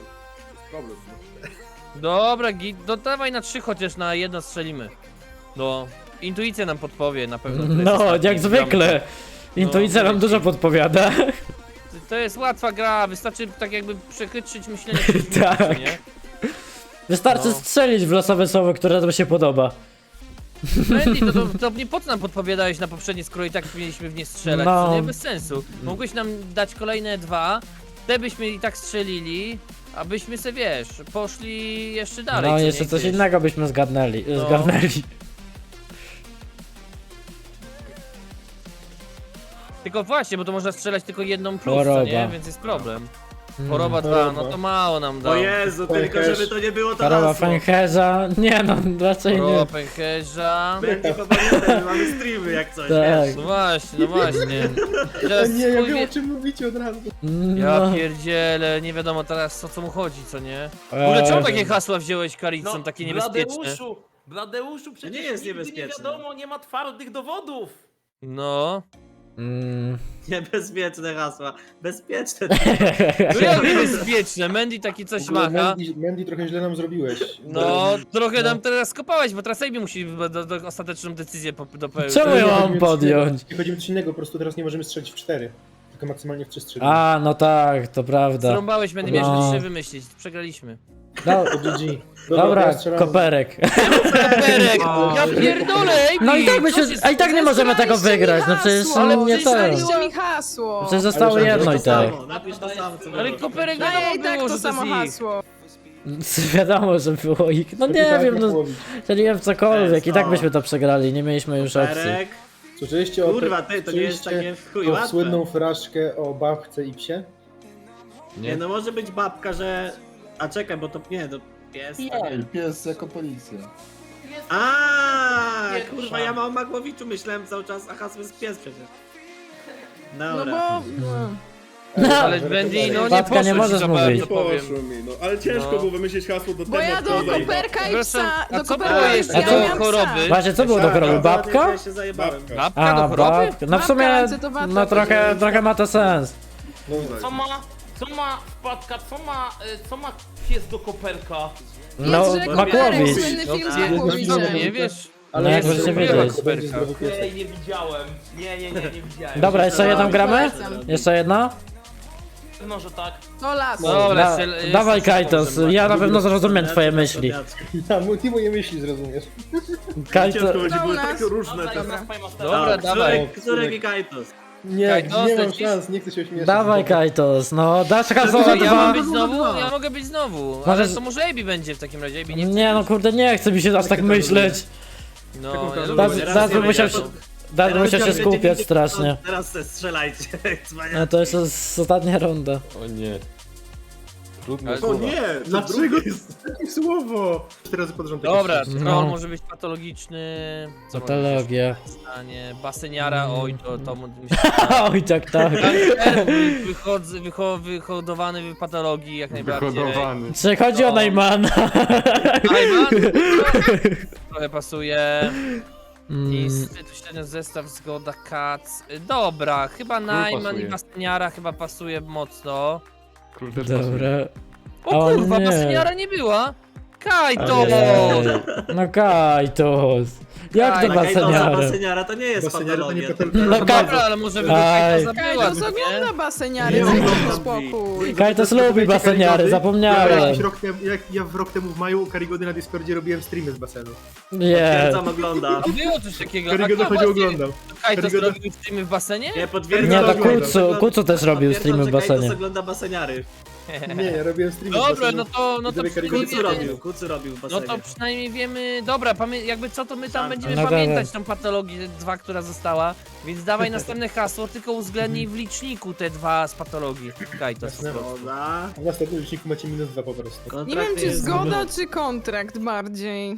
[SPEAKER 8] Dobra, git. No dawaj na trzy chociaż na jedno strzelimy. No. Intuicja nam podpowie na pewno. kto jest
[SPEAKER 1] No,
[SPEAKER 8] ostatni.
[SPEAKER 1] jak zwykle. Intuicja nam dużo podpowiada.
[SPEAKER 8] To jest łatwa gra, wystarczy tak jakby przechytrzyć myślenie przeciwnika,
[SPEAKER 1] Tak.
[SPEAKER 8] nie?
[SPEAKER 1] Wystarczy
[SPEAKER 8] No.
[SPEAKER 1] strzelić w losowe słowo, które nam się podoba.
[SPEAKER 8] Mandy, to, to, to nie po co nam podpowiadałeś na poprzednie, skoro i tak mieliśmy w nie strzelać,
[SPEAKER 1] No.
[SPEAKER 8] to nie bez sensu. Mogłeś nam dać kolejne dwa, te byśmy i tak strzelili, abyśmy se, wiesz, poszli jeszcze dalej.
[SPEAKER 1] No,
[SPEAKER 8] co
[SPEAKER 1] jeszcze
[SPEAKER 8] nie,
[SPEAKER 1] coś
[SPEAKER 8] gdzieś.
[SPEAKER 1] innego byśmy zgadnęli.
[SPEAKER 8] No.
[SPEAKER 1] Zgarnęli.
[SPEAKER 8] Tylko właśnie, bo to można strzelać tylko jedną plus,
[SPEAKER 1] Choroba.
[SPEAKER 8] co nie? Więc jest problem. Choroba dwa,
[SPEAKER 5] Choroba.
[SPEAKER 8] no to mało nam da.
[SPEAKER 2] O Jezu, tylko
[SPEAKER 5] Pęcherz.
[SPEAKER 2] żeby to nie było to
[SPEAKER 1] Choroba
[SPEAKER 2] hasło.
[SPEAKER 1] Fencherza. Nie no, raczej
[SPEAKER 8] Choroba
[SPEAKER 1] nie.
[SPEAKER 8] pęcherza.
[SPEAKER 2] Będzie po pamiętaj, mamy streamy jak coś,
[SPEAKER 1] Tak.
[SPEAKER 2] wiesz.
[SPEAKER 8] No właśnie, no właśnie.
[SPEAKER 5] A
[SPEAKER 8] Teraz
[SPEAKER 5] nie, ja
[SPEAKER 8] chuj
[SPEAKER 5] wiem
[SPEAKER 8] wie-
[SPEAKER 5] o czym mówicie od razu.
[SPEAKER 8] Ja
[SPEAKER 1] No.
[SPEAKER 8] pierdzielę, nie wiadomo teraz o co mu chodzi, co nie? W ogóle czemu
[SPEAKER 1] Eee,
[SPEAKER 8] takie hasła wziąłeś, Karicon, takie niebezpieczne?
[SPEAKER 4] Bladeuszu, Bladeuszu, przecież
[SPEAKER 2] nie jest
[SPEAKER 4] nigdy nie
[SPEAKER 2] niebezpieczne.
[SPEAKER 4] wiadomo, nie ma twardych dowodów.
[SPEAKER 8] No.
[SPEAKER 1] Mm.
[SPEAKER 2] Niebezpieczne hasła. Bezpieczne.
[SPEAKER 8] No jak bezpieczne, Mandy taki coś
[SPEAKER 7] W ogóle
[SPEAKER 8] macha.
[SPEAKER 7] Mandy, Mandy, trochę źle nam zrobiłeś.
[SPEAKER 8] No, trochę
[SPEAKER 7] No.
[SPEAKER 8] nam teraz skopałeś, bo teraz Ejbi musi do, do, do ostateczną decyzję po- dopełnić.
[SPEAKER 1] Czemu ja
[SPEAKER 7] Nie
[SPEAKER 1] mam
[SPEAKER 7] chodzimy
[SPEAKER 1] podjąć?
[SPEAKER 7] Nie chodzimy coś innego, po prostu teraz nie możemy strzelić w cztery. Tylko maksymalnie w trzy strzelić.
[SPEAKER 1] A, no tak, to prawda.
[SPEAKER 8] Zrąbałeś, Mandy, miałeś
[SPEAKER 1] No.
[SPEAKER 8] trzy wymyślić, przegraliśmy.
[SPEAKER 1] No,
[SPEAKER 7] To G G.
[SPEAKER 1] dobra,
[SPEAKER 7] teraz strzelamy.
[SPEAKER 1] koperek.
[SPEAKER 8] Berek,
[SPEAKER 2] O,
[SPEAKER 8] ja
[SPEAKER 2] że-
[SPEAKER 8] pierdolę, Ejbi!
[SPEAKER 1] No i tak,
[SPEAKER 8] co
[SPEAKER 1] byśmy,
[SPEAKER 8] się
[SPEAKER 1] a i tak nie możemy tego
[SPEAKER 3] Zesraliście mi
[SPEAKER 1] wygrać, no przecież
[SPEAKER 3] hasło,
[SPEAKER 8] ale
[SPEAKER 1] nie
[SPEAKER 8] przecież
[SPEAKER 1] to.
[SPEAKER 3] Zesraliście mi hasło.
[SPEAKER 1] Przecież zostało
[SPEAKER 7] Ale
[SPEAKER 1] jedno i
[SPEAKER 2] to
[SPEAKER 1] tak.
[SPEAKER 2] samo, napisz to samo, co
[SPEAKER 8] Ale
[SPEAKER 2] było.
[SPEAKER 8] koperek
[SPEAKER 3] No
[SPEAKER 8] wiadomo
[SPEAKER 3] ja i tak
[SPEAKER 8] było,
[SPEAKER 3] to
[SPEAKER 8] że
[SPEAKER 3] samo
[SPEAKER 8] to jest ich.
[SPEAKER 3] hasło.
[SPEAKER 1] Wiadomo, że było ich. No nie
[SPEAKER 7] Tak,
[SPEAKER 1] wiem,
[SPEAKER 7] jak
[SPEAKER 1] no
[SPEAKER 7] połowić.
[SPEAKER 1] strzeliłem w cokolwiek i tak
[SPEAKER 2] O.
[SPEAKER 1] byśmy to przegrali, nie mieliśmy już opcji.
[SPEAKER 2] Perek.
[SPEAKER 7] Słyszeliście o
[SPEAKER 2] Kurwa, ty, to nie jest
[SPEAKER 7] słyszeliście
[SPEAKER 2] takie w chuj
[SPEAKER 7] o
[SPEAKER 2] łatwe.
[SPEAKER 7] słynną fraszkę o babce i psie?
[SPEAKER 2] Nie, no może być babka, że... A czekaj, bo to nie, to pies. to nie.
[SPEAKER 7] Nie, pies jako policja.
[SPEAKER 2] A,
[SPEAKER 4] Pierwsza.
[SPEAKER 2] kurwa, ja mam o Magłowiczu myślałem cały czas, a hasło jest pies przecież.
[SPEAKER 3] No
[SPEAKER 2] Dobra.
[SPEAKER 3] bo...
[SPEAKER 1] No.
[SPEAKER 8] Ale Mandy, no nie
[SPEAKER 1] Babka,
[SPEAKER 8] poszło
[SPEAKER 1] nie
[SPEAKER 8] ci
[SPEAKER 1] możesz
[SPEAKER 8] za
[SPEAKER 1] mówić.
[SPEAKER 8] bardzo, powiem.
[SPEAKER 9] mi, no ale ciężko
[SPEAKER 8] No.
[SPEAKER 9] było wymyślić hasło do
[SPEAKER 3] Bo ja do
[SPEAKER 9] tematkowej.
[SPEAKER 3] koperka i
[SPEAKER 8] Zresztą,
[SPEAKER 3] psa...
[SPEAKER 8] a
[SPEAKER 3] Do
[SPEAKER 8] co
[SPEAKER 3] koperka
[SPEAKER 8] było
[SPEAKER 3] i
[SPEAKER 8] jeszcze
[SPEAKER 3] psa,
[SPEAKER 1] do
[SPEAKER 3] ja miałam
[SPEAKER 8] choroby?
[SPEAKER 3] psa.
[SPEAKER 1] Właśnie, co było do choroby? Babka?
[SPEAKER 2] Ja się zajebałem.
[SPEAKER 9] Babka.
[SPEAKER 8] Babka
[SPEAKER 1] A,
[SPEAKER 8] do choroby?
[SPEAKER 1] babka. No w
[SPEAKER 3] Babka,
[SPEAKER 1] sumie,
[SPEAKER 3] ręce to babka,
[SPEAKER 1] no trochę,
[SPEAKER 3] będzie-
[SPEAKER 1] trochę ma to sens.
[SPEAKER 7] No,
[SPEAKER 4] Co ma, co ma wpadka, co ma, y, co ma pies do koperka?
[SPEAKER 1] No,
[SPEAKER 3] Jest, że
[SPEAKER 1] Makłowicz.
[SPEAKER 3] Koperek, słynny film z
[SPEAKER 8] No,
[SPEAKER 3] Makłowiczem.
[SPEAKER 8] nie wiesz?
[SPEAKER 1] No jak
[SPEAKER 8] jest
[SPEAKER 1] możecie
[SPEAKER 8] super
[SPEAKER 1] wiedzieć.
[SPEAKER 7] będzie zdrowy piesek.
[SPEAKER 4] Ej, nie widziałem. Nie, nie, nie, nie widziałem.
[SPEAKER 1] Dobra, jeszcze jedną gramy?
[SPEAKER 3] Polecam.
[SPEAKER 1] Jeszcze jedna?
[SPEAKER 4] No, że tak.
[SPEAKER 3] To las.
[SPEAKER 8] Dobra,
[SPEAKER 1] Da,
[SPEAKER 8] jeszcze-
[SPEAKER 1] dawaj
[SPEAKER 8] jeszcze
[SPEAKER 1] Kajtos,
[SPEAKER 8] możemy
[SPEAKER 1] ja na pewno zrozumiem twoje myśli.
[SPEAKER 7] Ja, mu- ty moje myśli zrozumiesz.
[SPEAKER 1] Kajtos,
[SPEAKER 9] Ciężko będzie,
[SPEAKER 3] To u
[SPEAKER 9] były
[SPEAKER 3] nas.
[SPEAKER 9] tak różne
[SPEAKER 4] Dobra,
[SPEAKER 9] te...
[SPEAKER 4] jest nas Pajmaster.
[SPEAKER 8] Dobra, dawaj.
[SPEAKER 2] Którek, którek i Kajtos.
[SPEAKER 7] Nie,
[SPEAKER 8] Kajtos,
[SPEAKER 7] nie mam
[SPEAKER 8] lecisz?
[SPEAKER 7] szans, nie chcę się ośmieszyć.
[SPEAKER 1] dawaj Kajtos, no dasz hasło
[SPEAKER 8] Co,
[SPEAKER 1] za
[SPEAKER 8] ja mam
[SPEAKER 1] dwa.
[SPEAKER 8] być znowu? Ja mogę być znowu, ale
[SPEAKER 1] Możesz-
[SPEAKER 8] to może Ejbi będzie w takim razie, Ejbi nie...
[SPEAKER 1] Nie no kurde, nie chce mi się aż tak myśleć.
[SPEAKER 8] No,
[SPEAKER 7] Taką
[SPEAKER 8] ja
[SPEAKER 7] każdą-
[SPEAKER 1] Da-
[SPEAKER 8] lubię.
[SPEAKER 2] Teraz
[SPEAKER 1] Zaraz
[SPEAKER 2] nie
[SPEAKER 1] bym musiał
[SPEAKER 2] będzie,
[SPEAKER 1] się,
[SPEAKER 2] to-
[SPEAKER 1] zaraz bym musiał się
[SPEAKER 2] Teraz
[SPEAKER 1] skupiać
[SPEAKER 2] będzie-
[SPEAKER 1] strasznie.
[SPEAKER 2] Teraz se strzelajcie.
[SPEAKER 1] No to jeszcze jest ostatnia runda.
[SPEAKER 6] O nie. Trudne
[SPEAKER 8] Ale-
[SPEAKER 9] O
[SPEAKER 6] słowa.
[SPEAKER 9] nie,
[SPEAKER 7] Dlaczego
[SPEAKER 9] to jest takie słowo?
[SPEAKER 7] Cztery razy pod rząd takie
[SPEAKER 8] Dobra,
[SPEAKER 7] szczęście.
[SPEAKER 1] No.
[SPEAKER 8] troll może być patologiczny. Co może być
[SPEAKER 1] Patologia.
[SPEAKER 8] jeszcze stanie? Baseniara, oj, to, to mu- mi się
[SPEAKER 1] Oj, tak, tak.
[SPEAKER 8] wychodzę, wycho, wyhodowany w patologii jak najbardziej.
[SPEAKER 6] Wyhodowany.
[SPEAKER 1] Czy chodzi o
[SPEAKER 8] No.
[SPEAKER 1] Najmana?
[SPEAKER 8] Najman, trochę pasuje.
[SPEAKER 1] Mm,
[SPEAKER 8] Niestety tu średnio zestaw, zgoda, kac. Dobra, chyba Najman
[SPEAKER 6] pasuje.
[SPEAKER 8] i Baseniara chyba pasuje mocno.
[SPEAKER 6] Król też pasuje.
[SPEAKER 1] dobra.
[SPEAKER 8] O
[SPEAKER 1] O
[SPEAKER 8] kurwa,
[SPEAKER 1] nie.
[SPEAKER 8] Baseniara nie była. Kajto!
[SPEAKER 1] Ojej. No Kajtos. Jak to
[SPEAKER 8] Kaj-
[SPEAKER 2] Kajtosa
[SPEAKER 1] baseniara?
[SPEAKER 2] baseniara to nie jest
[SPEAKER 7] Baseniara to nie
[SPEAKER 2] patologia.
[SPEAKER 7] patologia.
[SPEAKER 1] No Kaj-
[SPEAKER 8] Dobra, ale może by to
[SPEAKER 1] Aj.
[SPEAKER 8] Kajto zabiła,
[SPEAKER 3] Kajtos
[SPEAKER 8] co nie?
[SPEAKER 3] ogląda baseniary,
[SPEAKER 2] Nie
[SPEAKER 3] dajcie mi
[SPEAKER 2] oglądam.
[SPEAKER 3] spokój.
[SPEAKER 1] Kajtos lubi
[SPEAKER 7] Zapytajcie
[SPEAKER 1] baseniary,
[SPEAKER 7] Karigody. Ja,
[SPEAKER 1] zapomniałem.
[SPEAKER 7] jakiś rok temu, jak ja w rok temu w maju u Karigody na Discordzie robiłem streamy z basenu.
[SPEAKER 1] Nie.
[SPEAKER 2] Potwierdzam, ogląda.
[SPEAKER 8] Było coś takiego.
[SPEAKER 7] Karygoda
[SPEAKER 8] A kto
[SPEAKER 7] chodził
[SPEAKER 8] właśnie-
[SPEAKER 7] oglądał.
[SPEAKER 8] Kajto
[SPEAKER 7] Karygoda-
[SPEAKER 8] zrobił streamy w basenie?
[SPEAKER 2] Nie,
[SPEAKER 1] Nie,
[SPEAKER 2] potwierdzam.
[SPEAKER 1] to
[SPEAKER 7] oglądam.
[SPEAKER 1] Kucu, Kucu też robił
[SPEAKER 2] Potwierdzam,
[SPEAKER 1] streamy w
[SPEAKER 2] że Kajtos
[SPEAKER 1] basenie.
[SPEAKER 2] ogląda baseniary.
[SPEAKER 7] Nie, ja robiłem streamy z
[SPEAKER 8] Dobra,
[SPEAKER 7] basenu.
[SPEAKER 8] no to, no to
[SPEAKER 7] Widzowie Karigody
[SPEAKER 2] Kucu
[SPEAKER 8] przynajmniej,
[SPEAKER 2] robił, Kucu robił w
[SPEAKER 8] no
[SPEAKER 2] basenie.
[SPEAKER 8] to przynajmniej wiemy, dobra, pamię- jakby co to my tam
[SPEAKER 2] Tak.
[SPEAKER 8] będziemy
[SPEAKER 1] No
[SPEAKER 8] pamiętać
[SPEAKER 1] dobra.
[SPEAKER 8] tą patologię dwa, która została, więc dawaj następne hasło, tylko uwzględnij w liczniku te dwa z patologii. Kajto po
[SPEAKER 7] Jasne.
[SPEAKER 8] prostu.
[SPEAKER 2] Dobra.
[SPEAKER 7] A w następnym liczniku macie minus dwa po prostu.
[SPEAKER 3] Nie
[SPEAKER 2] Kontrakt
[SPEAKER 3] wiem, czy
[SPEAKER 2] jest
[SPEAKER 3] zgoda, czy kontrakt bardziej.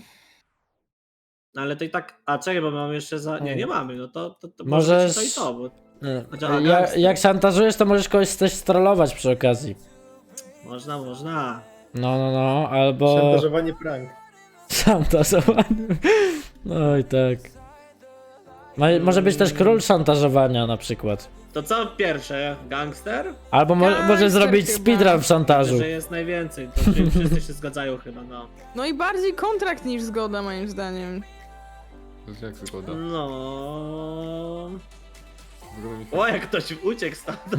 [SPEAKER 2] No ale to i tak. A czekaj, bo mamy jeszcze za. Nie, nie mamy, no to. to, to
[SPEAKER 1] Możesz-
[SPEAKER 2] może być to i to, bo
[SPEAKER 1] Nie.
[SPEAKER 2] Chociaż
[SPEAKER 1] Ja,
[SPEAKER 2] gangster.
[SPEAKER 1] jak szantażujesz, to możesz kogoś też strollować przy okazji.
[SPEAKER 2] można, można.
[SPEAKER 1] No, no, no, albo...
[SPEAKER 7] Szantażowanie prank.
[SPEAKER 1] Szantażowany. No i tak. Ma, może być też król szantażowania na przykład.
[SPEAKER 2] To co pierwsze? Gangster?
[SPEAKER 1] Albo mo,
[SPEAKER 3] Gangster
[SPEAKER 1] może zrobić
[SPEAKER 3] chyba.
[SPEAKER 1] speedrun w szantażu.
[SPEAKER 2] Że jest najwięcej, to czyli wszyscy się zgadzają chyba, no.
[SPEAKER 3] No i bardziej kontrakt niż zgoda, moim zdaniem.
[SPEAKER 6] To jest jak zgoda.
[SPEAKER 2] No.
[SPEAKER 6] Wygląda mi tak.
[SPEAKER 2] O, jak ktoś uciekł stamtąd.